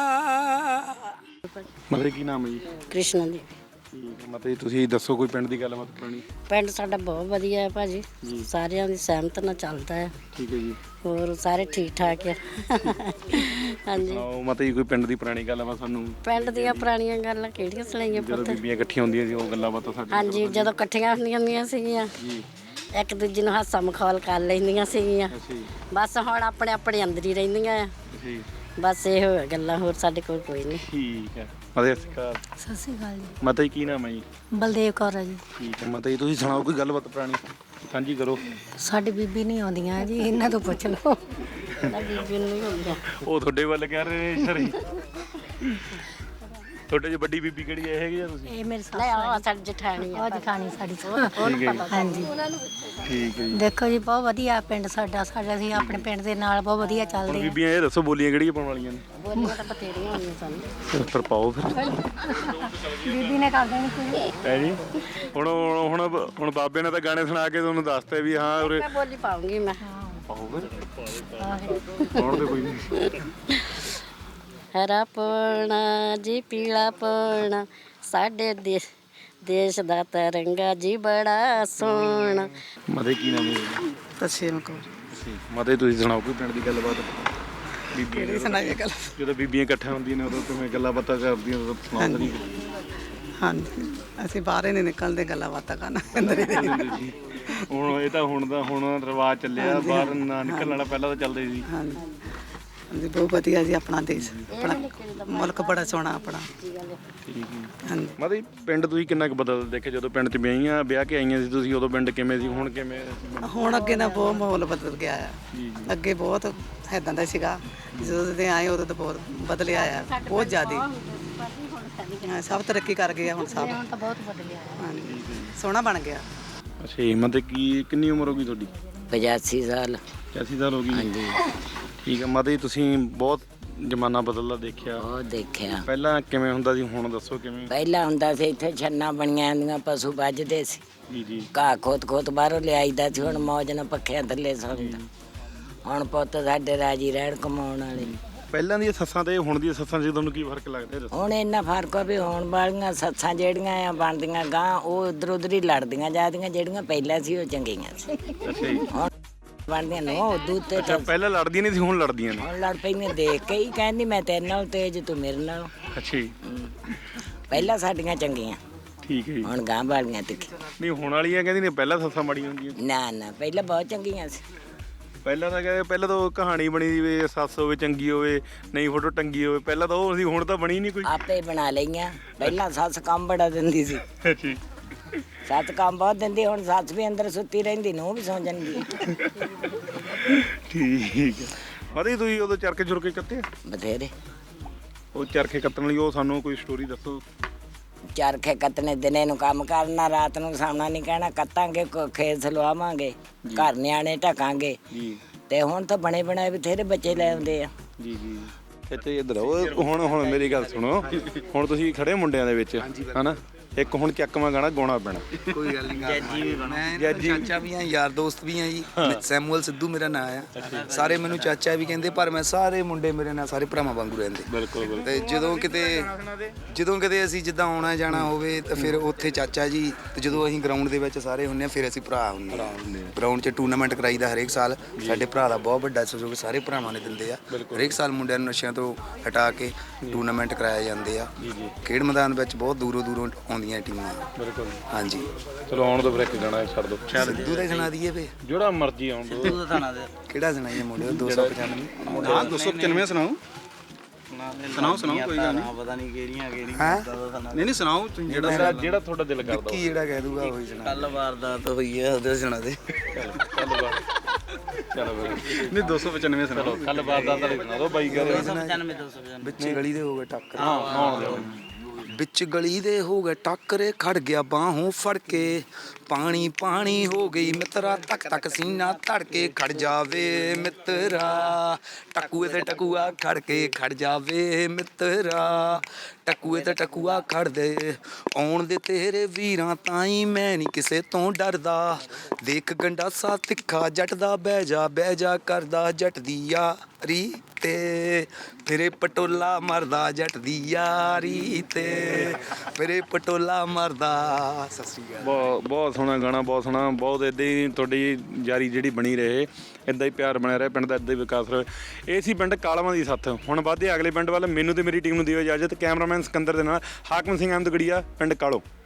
Speaker 1: ਮਤਲਬ ਕੀ ਨਾਮ ਹੈ ਜੀ?
Speaker 11: ਕ੍ਰਿਸ਼ਨ ਦੀ।
Speaker 1: ਠੀਕ ਹੈ। ਮਤਲਬ ਤੁਸੀਂ ਦੱਸੋ ਕੋਈ ਪਿੰਡ ਦੀ ਗੱਲਬਾਤ ਪੁਰਾਣੀ।
Speaker 11: ਪਿੰਡ ਸਾਡਾ ਬਹੁਤ ਵਧੀਆ ਹੈ ਭਾਜੀ, ਸਾਰਿਆਂ ਦੀ ਸਹਿਮਤ ਨਾਲ ਚੱਲਦਾ ਹੈ।
Speaker 1: ਠੀਕ ਹੈ ਜੀ।
Speaker 11: ਹੋਰ ਸਾਰੇ ਠੀਕ ਠਾਕ ਹੈ। ਹਾਂਜੀ।
Speaker 1: ਆਓ ਮਤਲਬ ਕੋਈ ਪਿੰਡ ਦੀ ਪੁਰਾਣੀ ਗੱਲਬਾਤ ਸਾਨੂੰ।
Speaker 11: ਪਿੰਡ ਦੀਆਂ ਪੁਰਾਣੀਆਂ ਗੱਲਾਂ ਕਿਹੜੀਆਂ ਸੁਣਾਈਆਂ
Speaker 1: ਜਦੋਂ
Speaker 11: ਪੁੱਤ?
Speaker 1: ਬੀਬੀਆਂ ਇਕੱਠੀਆਂ ਹੁੰਦੀਆਂ ਸੀ ਉਹ ਗੱਲਾਂ ਬਾਤਾਂ ਸਾਡੇ।
Speaker 11: ਹਾਂਜੀ ਜਦੋਂ ਇਕੱਠੀਆਂ ਹੁੰਦੀਆਂ ਹੁੰਦੀਆਂ ਸੀਗੀਆਂ ਇੱਕ ਦੂਜੇ ਨੂੰ ਹਾਸਾ ਮਖੌਲ ਕਰ ਲੈਂਦੀਆਂ ਸੀਗੀਆਂ ਬਸ ਹੁਣ ਆਪਣੇ ਆਪਣੇ ਅੰਦਰ ਹੀ ਰਹਿੰਦੀਆਂ ਆ ਬਸ ਇਹੋ ਗੱਲਾਂ ਹੋਰ ਸਾਡੇ ਕੋਲ ਕੋਈ ਨਹੀਂ
Speaker 1: ਠੀਕ ਹੈ ਮਤੇ ਸਤਿ ਸ਼੍ਰੀ ਅਕਾਲ
Speaker 12: ਸਤਿ ਸ਼੍ਰੀ ਅਕਾਲ ਜੀ
Speaker 1: ਮਾਤਾ ਜੀ ਕੀ ਨਾਮ ਹੈ ਜੀ
Speaker 12: ਬਲਦੇਵ ਕੌਰ ਹੈ ਜੀ
Speaker 1: ਠੀਕ ਹੈ ਮਾਤਾ ਜੀ ਤੁਸੀਂ ਸੁਣਾਓ ਕੋਈ ਗੱਲਬਾਤ ਪੁਰਾਣੀ ਸਾਂਝੀ ਕਰੋ
Speaker 12: ਸਾਡੀ ਬੀਬੀ ਨਹੀਂ ਆਉਂਦੀਆਂ ਜੀ ਇਹਨਾਂ ਤੋਂ ਪੁੱਛ ਲਓ
Speaker 11: ਬੀਬੀ ਨੂੰ ਨਹੀਂ ਹੁੰਦੀਆਂ
Speaker 1: ਉਹ ਤੁਹਾਡੇ ਵੱਲ ਕਹਿ ਰਹੇ ਨੇ ਸਰੀ ਤੁਹਾਡੇ ਜੀ ਵੱਡੀ ਬੀਬੀ ਕਿਹੜੀ ਹੈ ਹੈਗੀ ਆ ਤੁਸੀਂ
Speaker 12: ਇਹ ਮੇਰੇ
Speaker 11: ਲੈ
Speaker 12: ਸਾਹ
Speaker 11: ਆ ਸਾਡੀ ਜਠਾਣੀ ਆ
Speaker 12: ਉਹ ਜਠਾਣੀ ਸਾਡੀ
Speaker 1: ਠੀਕ ਹੈ ਜੀ
Speaker 12: ਹਾਂਜੀ
Speaker 1: ਠੀਕ ਹੈ ਜੀ
Speaker 12: ਦੇਖੋ ਜੀ ਬਹੁਤ ਵਧੀਆ ਪਿੰਡ ਸਾਡਾ ਸਾਡਾ ਅਸੀਂ ਆਪਣੇ ਪਿੰਡ ਦੇ ਨਾਲ ਬਹੁਤ ਵਧੀਆ
Speaker 1: ਹੁਣ
Speaker 12: ਚੱਲਦੇ ਹਾਂ
Speaker 1: ਬੀਬੀਆਂ ਇਹ ਦੱਸੋ ਬੋਲੀਆਂ ਕਿਹੜੀਆਂ ਪਾਉਣ ਵਾਲੀਆਂ ਨੇ
Speaker 11: ਬੋਲੀਆਂ ਤਾਂ ਬਥੇਰੀਆਂ ਹੋਣੀਆਂ ਸਾਨੂੰ
Speaker 1: ਫਿਰ ਪਾਓ ਫਿਰ
Speaker 12: ਬੀਬੀ ਨੇ ਕਰ ਦੇਣੀ ਕੋਈ
Speaker 1: ਹੈ ਜੀ ਹੁਣ ਹੁਣ ਹੁਣ ਬਾਬੇ ਨੇ ਤਾਂ ਗਾਣੇ ਸੁਣਾ ਕੇ ਤੁਹਾਨੂੰ ਦੱਸਤੇ ਵੀ ਹਾਂ ਉਰੇ
Speaker 11: ਮੈਂ ਬੋਲੀ ਪਾਉਂਗੀ ਮੈਂ
Speaker 1: ਪਾਓ ਫਿਰ ਪਾਉਣ ਦੇ ਕੋਈ ਨਹੀਂ
Speaker 11: ਹਰਾ ਪੌਣਾ ਜੀ ਪੀਲਾ ਪੌਣਾ ਸਾਡੇ ਦੇਸ਼ ਦੇਸ਼ ਦਾ ਤਿਰੰਗਾ ਜੀ ਬੜਾ ਸੋਹਣਾ
Speaker 1: ਮਤੇ ਕੀ ਨਾਮ ਹੈ
Speaker 10: ਤਸੀਮ ਕੋ
Speaker 1: ਮਤੇ ਤੁਸੀਂ ਸੁਣਾਓ ਕੋਈ ਪਿੰਡ ਦੀ ਗੱਲਬਾਤ ਬੀਬੀਆਂ ਦੀ
Speaker 10: ਸੁਣਾਈਏ ਗੱਲ
Speaker 1: ਜਦੋਂ ਬੀਬੀਆਂ ਇਕੱਠੀਆਂ ਹੁੰਦੀਆਂ ਨੇ ਉਦੋਂ ਕਿਵੇਂ ਗੱਲਾਂ ਬਾਤਾਂ ਕਰਦੀਆਂ ਉਦੋਂ ਸੁਣਾਉਂਦੇ ਨਹੀਂ
Speaker 10: ਹਾਂਜੀ ਅਸੀਂ ਬਾਹਰ ਹੀ ਨਹੀਂ ਨਿਕਲਦੇ ਗੱਲਾਂ ਬਾਤਾਂ ਕਰਨ ਅੰਦਰ ਹੀ
Speaker 1: ਜੀ ਹੁਣ ਇਹ ਤਾਂ ਹੁਣ ਦਾ ਹੁਣ ਰਿਵਾਜ ਚੱਲਿਆ ਬਾਹਰ ਨਾ ਨਿਕਲਣ ਵਾਲਾ ਪਹਿਲਾਂ ਤਾਂ ਚੱਲਦੇ ਸੀ
Speaker 10: ਹਾਂਜੀ ਹਾਂਜੀ ਬਹੁਤ ਵਧੀਆ ਜੀ ਆਪਣਾ ਦੇਸ਼ ਆਪਣਾ ਮੁਲਕ ਬੜਾ ਸੋਹਣਾ ਆਪਣਾ
Speaker 1: ਠੀਕ ਹੈ
Speaker 10: ਹਾਂਜੀ
Speaker 1: ਮਤੇ ਪਿੰਡ ਤੁਸੀਂ ਕਿੰਨਾ ਕੁ ਬਦਲ ਦੇਖੇ ਜਦੋਂ ਪਿੰਡ 'ਚ ਵਿਆਹੀਆਂ ਵਿਆਹ ਕੇ ਆਈਆਂ ਸੀ ਤੁਸੀਂ ਉਦੋਂ ਪਿੰਡ ਕਿਵੇਂ ਸੀ ਹੁਣ ਕਿਵੇਂ
Speaker 10: ਹੁਣ ਅੱਗੇ ਨਾ ਬਹੁਤ ਮਾਹੌਲ ਬਦਲ ਗਿਆ ਆ ਅੱਗੇ ਬਹੁਤ ਇੱਦਾਂ ਦਾ ਸੀਗਾ ਜਦੋਂ ਦੇ ਆਏ ਉਦੋਂ ਤਾਂ ਬਹੁਤ ਬਦਲਿਆ ਆ ਬਹੁਤ ਜ਼ਿਆਦਾ ਹਾਂ, ਸਭ ਤਰੱਕੀ ਕਰ ਗਏ ਆ ਹੁਣ ਸਭ
Speaker 12: ਹੁਣ ਤਾਂ ਬਹੁਤ ਬਦਲਿਆ
Speaker 10: ਹਾਂਜੀ ਸੋਹਣਾ ਬਣ ਗਿਆ
Speaker 1: ਅੱਛਾ ਜੀ ਮਤੇ ਕੀ ਕਿੰਨੀ ਉਮਰ ਹੋ ਗਈ ਤੁਹਾਡੀ
Speaker 5: ਪਚਾਸੀ ਸਾਲ
Speaker 1: ਪਚਾਸੀ ਸਾਲ ਹੋ ਗਈ ਹਾਂਜੀ ਠੀਕ ਹੈ ਮਤੇ ਤੁਸੀਂ ਬਹੁਤ ਜ਼ਮਾਨਾ ਬਦਲਦਾ ਦੇਖਿਆ
Speaker 5: ਉਹ ਦੇਖਿਆ
Speaker 1: ਪਹਿਲਾਂ ਕਿਵੇਂ ਹੁੰਦਾ ਸੀ ਹੁਣ ਦੱਸੋ ਕਿਵੇਂ
Speaker 5: ਪਹਿਲਾਂ ਹੁੰਦਾ ਸੀ ਇੱਥੇ ਛੰਨਾ ਬਣੀਆਂ ਹੁੰਦੀਆਂ ਪਸ਼ੂ ਵੱਜਦੇ ਸੀ
Speaker 1: ਜੀ ਜੀ
Speaker 5: ਘਾਹ ਖੋਤ ਖੋਤ ਬਾਹਰੋਂ ਲਿਆਈਦਾ ਸੀ ਹੁਣ ਮੌਜ ਨਾਲ ਪੱਖਿਆਂ ਥੱਲੇ ਸੌਂਦਾ ਹੁਣ ਪੁੱਤ ਸਾਡੇ ਰਾਜੀ ਰਹਿਣ ਕਮਾਉਣ ਵਾਲੇ
Speaker 1: ਪਹਿਲਾਂ ਦੀਆਂ ਸੱਸਾਂ ਤੇ ਹੁਣ ਦੀਆਂ ਸੱਸਾਂ 'ਚ ਤੁਹਾਨੂੰ ਕੀ ਫਰਕ ਲੱਗਦਾ ਦੱਸੋ
Speaker 5: ਹੁਣ ਇੰਨਾ ਫਰਕ ਆ ਵੀ ਹੋਣ ਵਾਲੀਆਂ ਸੱਸਾਂ ਜਿਹੜੀਆਂ ਆ ਬਣਦੀਆਂ ਗਾਂ ਉਹ ਉਧਰ ਉਧਰ ਹੀ ਲੜਦੀਆਂ ਜਾਂਦੀਆਂ ਜਿਹੜੀਆਂ ਪਹਿਲਾਂ ਸੀ ਉਹ ਚੰਗੀਆਂ ਸੀ
Speaker 1: ਅੱਛਾ ਜੀ
Speaker 5: ਹੁਣ ਬਣਦੀਆਂ ਨੋ ਦੁੱਧ ਤੇ
Speaker 1: ਅੱਛਾ ਪਹਿਲਾਂ ਲੜਦੀਆਂ ਨਹੀਂ ਸੀ ਹੁਣ ਲੜਦੀਆਂ ਨੇ
Speaker 5: ਹੁਣ ਲੜ ਪੈਂਦੀਆਂ ਦੇਖ ਕੇ ਹੀ ਕਹਿੰਦੀ ਮੈਂ ਤੇਰੇ ਨਾਲ ਤੇਜ ਤੂੰ ਮੇਰੇ ਨਾਲ
Speaker 1: ਅੱਛਾ ਜੀ
Speaker 5: ਪਹਿਲਾਂ ਸਾਡੀਆਂ ਚੰਗੀਆਂ
Speaker 1: ਠੀਕ ਹੈ ਜੀ
Speaker 5: ਹੁਣ ਗਾਂ ਵਾਲੀਆਂ ਤਿੱਖੀ
Speaker 1: ਨਹੀਂ ਹੁਣ ਵਾਲੀਆਂ ਕਹਿੰਦੀ ਨੇ ਪਹਿਲਾਂ ਸੱਸਾਂ ਮਾੜੀਆਂ ਹੁੰਦੀਆਂ
Speaker 5: ਨਾ ਨਾ ਪਹਿਲਾਂ ਬਹੁਤ ਚੰਗੀਆਂ ਸੀ
Speaker 1: ਪਹਿਲਾਂ ਤਾਂ ਕਹਿੰਦੇ ਪਹਿਲਾਂ ਤਾਂ ਉਹ ਕਹਾਣੀ ਬਣੀ ਵੀ ਸੱਸ ਹੋਵੇ ਚੰਗੀ ਹੋਵੇ ਨਹੀਂ ਫੋਟੋ ਟੰਗੀ ਹੋਵੇ ਪਹਿਲਾਂ ਤਾਂ ਉਹ ਸੀ ਹੁਣ ਤਾਂ ਬਣੀ ਨਹੀਂ ਕੋਈ
Speaker 5: ਆਪੇ ਬਣਾ ਲਈਆਂ ਪਹਿਲਾਂ ਸੱਸ ਕੰਮ ਬੜਾ ਦਿੰਦੀ ਸੀ
Speaker 1: ਜੀ
Speaker 5: ਸੱਸ ਕੰਮ ਬਹੁਤ ਦਿੰਦੀ ਹੁਣ ਸੱਸ ਵੀ ਅੰਦਰ ਸੁੱਤੀ ਰਹਿੰਦੀ ਨੂੰ ਵੀ ਸੌਂ ਜਾਂਦੀ
Speaker 1: ਠੀਕ ਹੈ ਮਤੇ ਤੁਸੀਂ ਉਦੋਂ ਚਰਖੇ ਚੁਰਕੇ ਕੱਤੇ
Speaker 5: ਬਥੇਰੇ
Speaker 1: ਉਹ ਚਰਖੇ ਕੱਤਣ ਲਈ ਉਹ ਸਾਨੂੰ ਕੋਈ ਸਟੋਰੀ ਦੱਸੋ
Speaker 5: ਚਰਖੇ ਕੱਤਣੇ ਦਿਨੇ ਨੂੰ ਕੰਮ ਕਰਨਾ ਰਾਤ ਨੂੰ ਸਾਹਮਣਾ ਨਹੀਂ ਕਹਿਣਾ ਕੱਤਾਂਗੇ ਕੋ- ਖੇਤ ਲਵਾਵਾਂਗੇ ਘਰ ਨਿਆਣੇ ਢਕਾਂਗੇ
Speaker 1: ਜੀ
Speaker 5: ਤੇ ਹੁਣ ਤਾਂ ਬਣੇ ਬਣਾਏ ਬਥੇਰੇ ਬੱਚੇ ਲੈ ਆਉਂਦੇ ਆ
Speaker 1: ਜੀ ਜੀ ਇੱਥੇ ਇੱਧਰ ਆਓ ਹੁਣ ਹੁਣ ਮੇਰੀ ਗੱਲ ਸੁਣੋ ਹੁਣ ਤੁਸੀਂ ਖੜੇ ਮੁੰਡਿਆਂ ਦੇ ਵਿੱਚ ਹਨਾ ਇੱਕ ਹੁਣ ਚੱਕਵਾਂ ਗਾਣਾ ਗਾਉਣਾ ਪੈਣਾ
Speaker 3: ਕੋਈ ਗੱਲ ਨਹੀਂ ਜੱਜੀ ਵੀ ਬਣਾ ਮੈਂ ਚਾਚਾ ਵੀ ਆ ਯਾਰ ਦੋਸਤ ਵੀ ਆ ਜੀ ਸੈਮੂਅਲ ਸਿੱਧੂ ਮੇਰਾ ਨਾਂ ਆ ਸਾਰੇ ਮੈਨੂੰ ਚਾਚਾ ਵੀ ਕਹਿੰਦੇ ਪਰ ਮੈਂ ਸਾਰੇ ਮੁੰਡੇ ਮੇਰੇ ਨਾਲ ਸਾਰੇ ਭਰਾਵਾਂ ਵਾਂਗੂ ਰਹਿੰਦੇ
Speaker 1: ਬਿਲਕੁਲ
Speaker 3: ਤੇ ਜਦੋਂ ਕਿਤੇ ਜਦੋਂ ਕਿਤੇ ਅਸੀਂ ਜਿੱਦਾਂ ਆਉਣਾ ਜਾਣਾ ਹੋਵੇ ਤਾਂ ਫਿਰ ਉੱਥੇ ਚਾਚਾ ਜੀ ਤੇ ਜਦੋਂ ਅਸੀਂ ਗਰਾਊਂਡ ਦੇ ਵਿੱਚ ਸਾਰੇ ਹੁੰਨੇ ਆ ਫਿਰ ਅਸੀਂ ਭਰਾ ਹੁੰਨੇ ਆ ਗਰਾਊਂਡ 'ਚ ਟੂਰਨਾਮੈਂਟ ਕਰਾਈਦਾ ਹਰੇਕ ਸਾਲ ਸਾਡੇ ਭਰਾ ਦਾ ਬਹੁਤ ਵੱਡਾ ਸਹਿਯੋਗ ਸਾਰੇ ਭਰਾਵਾਂ ਨੇ ਦਿੰਦੇ ਆ ਹਰੇਕ ਸਾਲ ਮੁੰਡਿਆਂ ਨੂੰ ਨਸ਼ਿਆਂ ਤੋਂ ਹਟਾ ਕੇ ਟੂਰਨਾਮੈਂਟ ਕਰਾਏ ਜਾਂਦੇ ਆ ਖੇਡ ਮੈਦਾਨ ਵਿੱਚ ਬਹੁਤ ਦੂਰੋਂ ਦੂਰੋਂ ਆਉਂਦੀਆਂ ਟੀਮਾਂ
Speaker 1: ਬਿਲਕੁਲ
Speaker 3: ਹਾਂਜੀ
Speaker 1: ਚਲੋ ਆਉਣ ਦੋ ਫਿਰ ਇੱਕ ਗਾਣਾ ਛੱਡ ਦੋ
Speaker 3: ਸਿੱਧੂ ਦਾ ਸੁਣਾ ਦਈਏ ਵੇ
Speaker 1: ਜਿਹੜਾ ਮਰਜ਼ੀ ਆਉਣ ਦੋ
Speaker 3: ਕਿਹੜਾ ਸੁਣਾਈਏ ਮੁੰਡੇ ਦੋ ਸੌ ਪਚਾਨਵੇਂ
Speaker 8: ਹਾਂ ਦੋ ਸੌ ਪਚਾਨਵੇਂ ਸੁਣਾਓ ਸੁਣਾਓ ਸੁਣਾਓ ਕੋਈ ਗੱਲ ਨਹੀਂ
Speaker 9: ਪਤਾ ਨਹੀਂ ਕਿਹੜੀਆਂ ਕਿਹੜੀਆਂ
Speaker 3: ਹੈਂ?
Speaker 8: ਨਹੀਂ ਨਹੀਂ ਸੁਣਾਓ ਤੁਸੀਂ ਜਿਹੜਾ
Speaker 1: ਜਿਹੜਾ ਜਿਹੜਾ ਤੁਹਾਡਾ ਦਿਲ ਕਰਦਾ
Speaker 3: ਕੀ ਜਿਹੜਾ ਕਹਿ ਦੂਗਾ ਉਹੀ ਸੁਣਾ
Speaker 9: ਕੱਲ ਵਾਰਦਾਤ ਹੋਈ ਹੈ ਉਹਦੇ ਸੁਣਾ ਦੇ
Speaker 1: ਚਲੋ ਬਾਈ ਚਲੋ ਬਾਈ
Speaker 8: ਨਹੀਂ ਦੋ ਸੌ ਪਚਾਨਵੇਂ ਸੁਣਾਓ
Speaker 1: ਕੱਲ ਬਾਤ ਦਾ ਤਾਂ ਸੁਣਾ ਦੋ ਬਾਈ ਕਹਿੰਦੇ
Speaker 9: ਪਚਾਨਵੇਂ ਦੋ ਸੌ ਪਚਾਨਵੇਂ
Speaker 3: ਵਿੱਚ ਗਲੀ ਦੇ ਹੋ ਗਏ ਟੱਕਰ
Speaker 1: ਹਾਂ ਆਉਣ ਦਿਓ
Speaker 3: ਵਿੱਚ ਗਲੀ ਦੇ ਹੋ ਗਏ ਟੱਕਰੇ ਖੜ ਗਿਆ ਬਾਹੋਂ ਫੜ ਕੇ ਪਾਣੀ ਪਾਣੀ ਹੋ ਗਈ ਮਿੱਤਰਾ ਤੱਕ ਤੱਕ ਸੀਨਾ ਧੜ ਕੇ ਖੜ ਜਾਵੇ ਮਿੱਤਰਾ ਟਕੂਏ ਤੇ ਟਕੂਆ ਖੜ ਕੇ ਖੜ ਜਾਵੇ ਮਿੱਤਰਾ ਟਕੂਏ ਤੇ ਟਕੂਆ ਖੜ ਦੇ ਆਉਣ ਦੇ ਤੇਰੇ ਵੀਰਾਂ ਤਾਈ ਮੈਂ ਨਹੀਂ ਕਿਸੇ ਤੋਂ ਡਰਦਾ ਦੇਖ ਗੰਡਾਸਾ ਤਿੱਖਾ ਜੱਟ ਦਾ ਬਹਿ ਜਾ ਬਹਿ ਜਾ ਕਰਦਾ ਜੱਟ ਦੀ ਯਾਰੀ ਤੇ ਫਿਰੇ ਪਟੋਲਾ ਮਰਦਾ ਜੱਟ ਦੀ ਯਾਰੀ ਤੇ ਫਿਰੇ ਪਟੋਲਾ ਮਰਦਾ ਸਤਿ ਸ਼੍ਰੀ ਅਕਾਲ
Speaker 1: ਬਹੁਤ ਬਹੁਤ ਸੋਹਣਾ ਗਾਣਾ ਬਹੁਤ ਸੋਹਣਾ ਬਹੁਤ ਇੱਦਾਂ ਹੀ ਤੁਹਾਡੀ ਯਾਰੀ ਜਿਹੜੀ ਬਣੀ ਰਹੇ ਇੱਦਾਂ ਹੀ ਪਿਆਰ ਬਣਿਆ ਰਹੇ ਪਿੰਡ ਦਾ ਇੱਦਾਂ ਹੀ ਵਿਕਾਸ ਰਹੇ ਇਹ ਸੀ ਪਿੰਡ ਕਾਲਵਾਂ ਦੀ ਸੱਥ ਹੁਣ ਵੱਧਦੇ ਅਗਲੇ ਪਿੰਡ ਵੱਲ ਮੈਨੂੰ ਤੇ ਮੇਰੀ ਟੀਮ ਨੂੰ ਦਿਓ ਇਜਾਜ਼ਤ ਕੈਮਰਾਮੈਨ ਸਿਕੰਦਰ ਦੇ ਨਾਲ ਹਾਕਮ ਸਿੰਘ ਅਹਿਮਦਗੜੀਆ ਪਿੰਡ ਕਾਲੋ।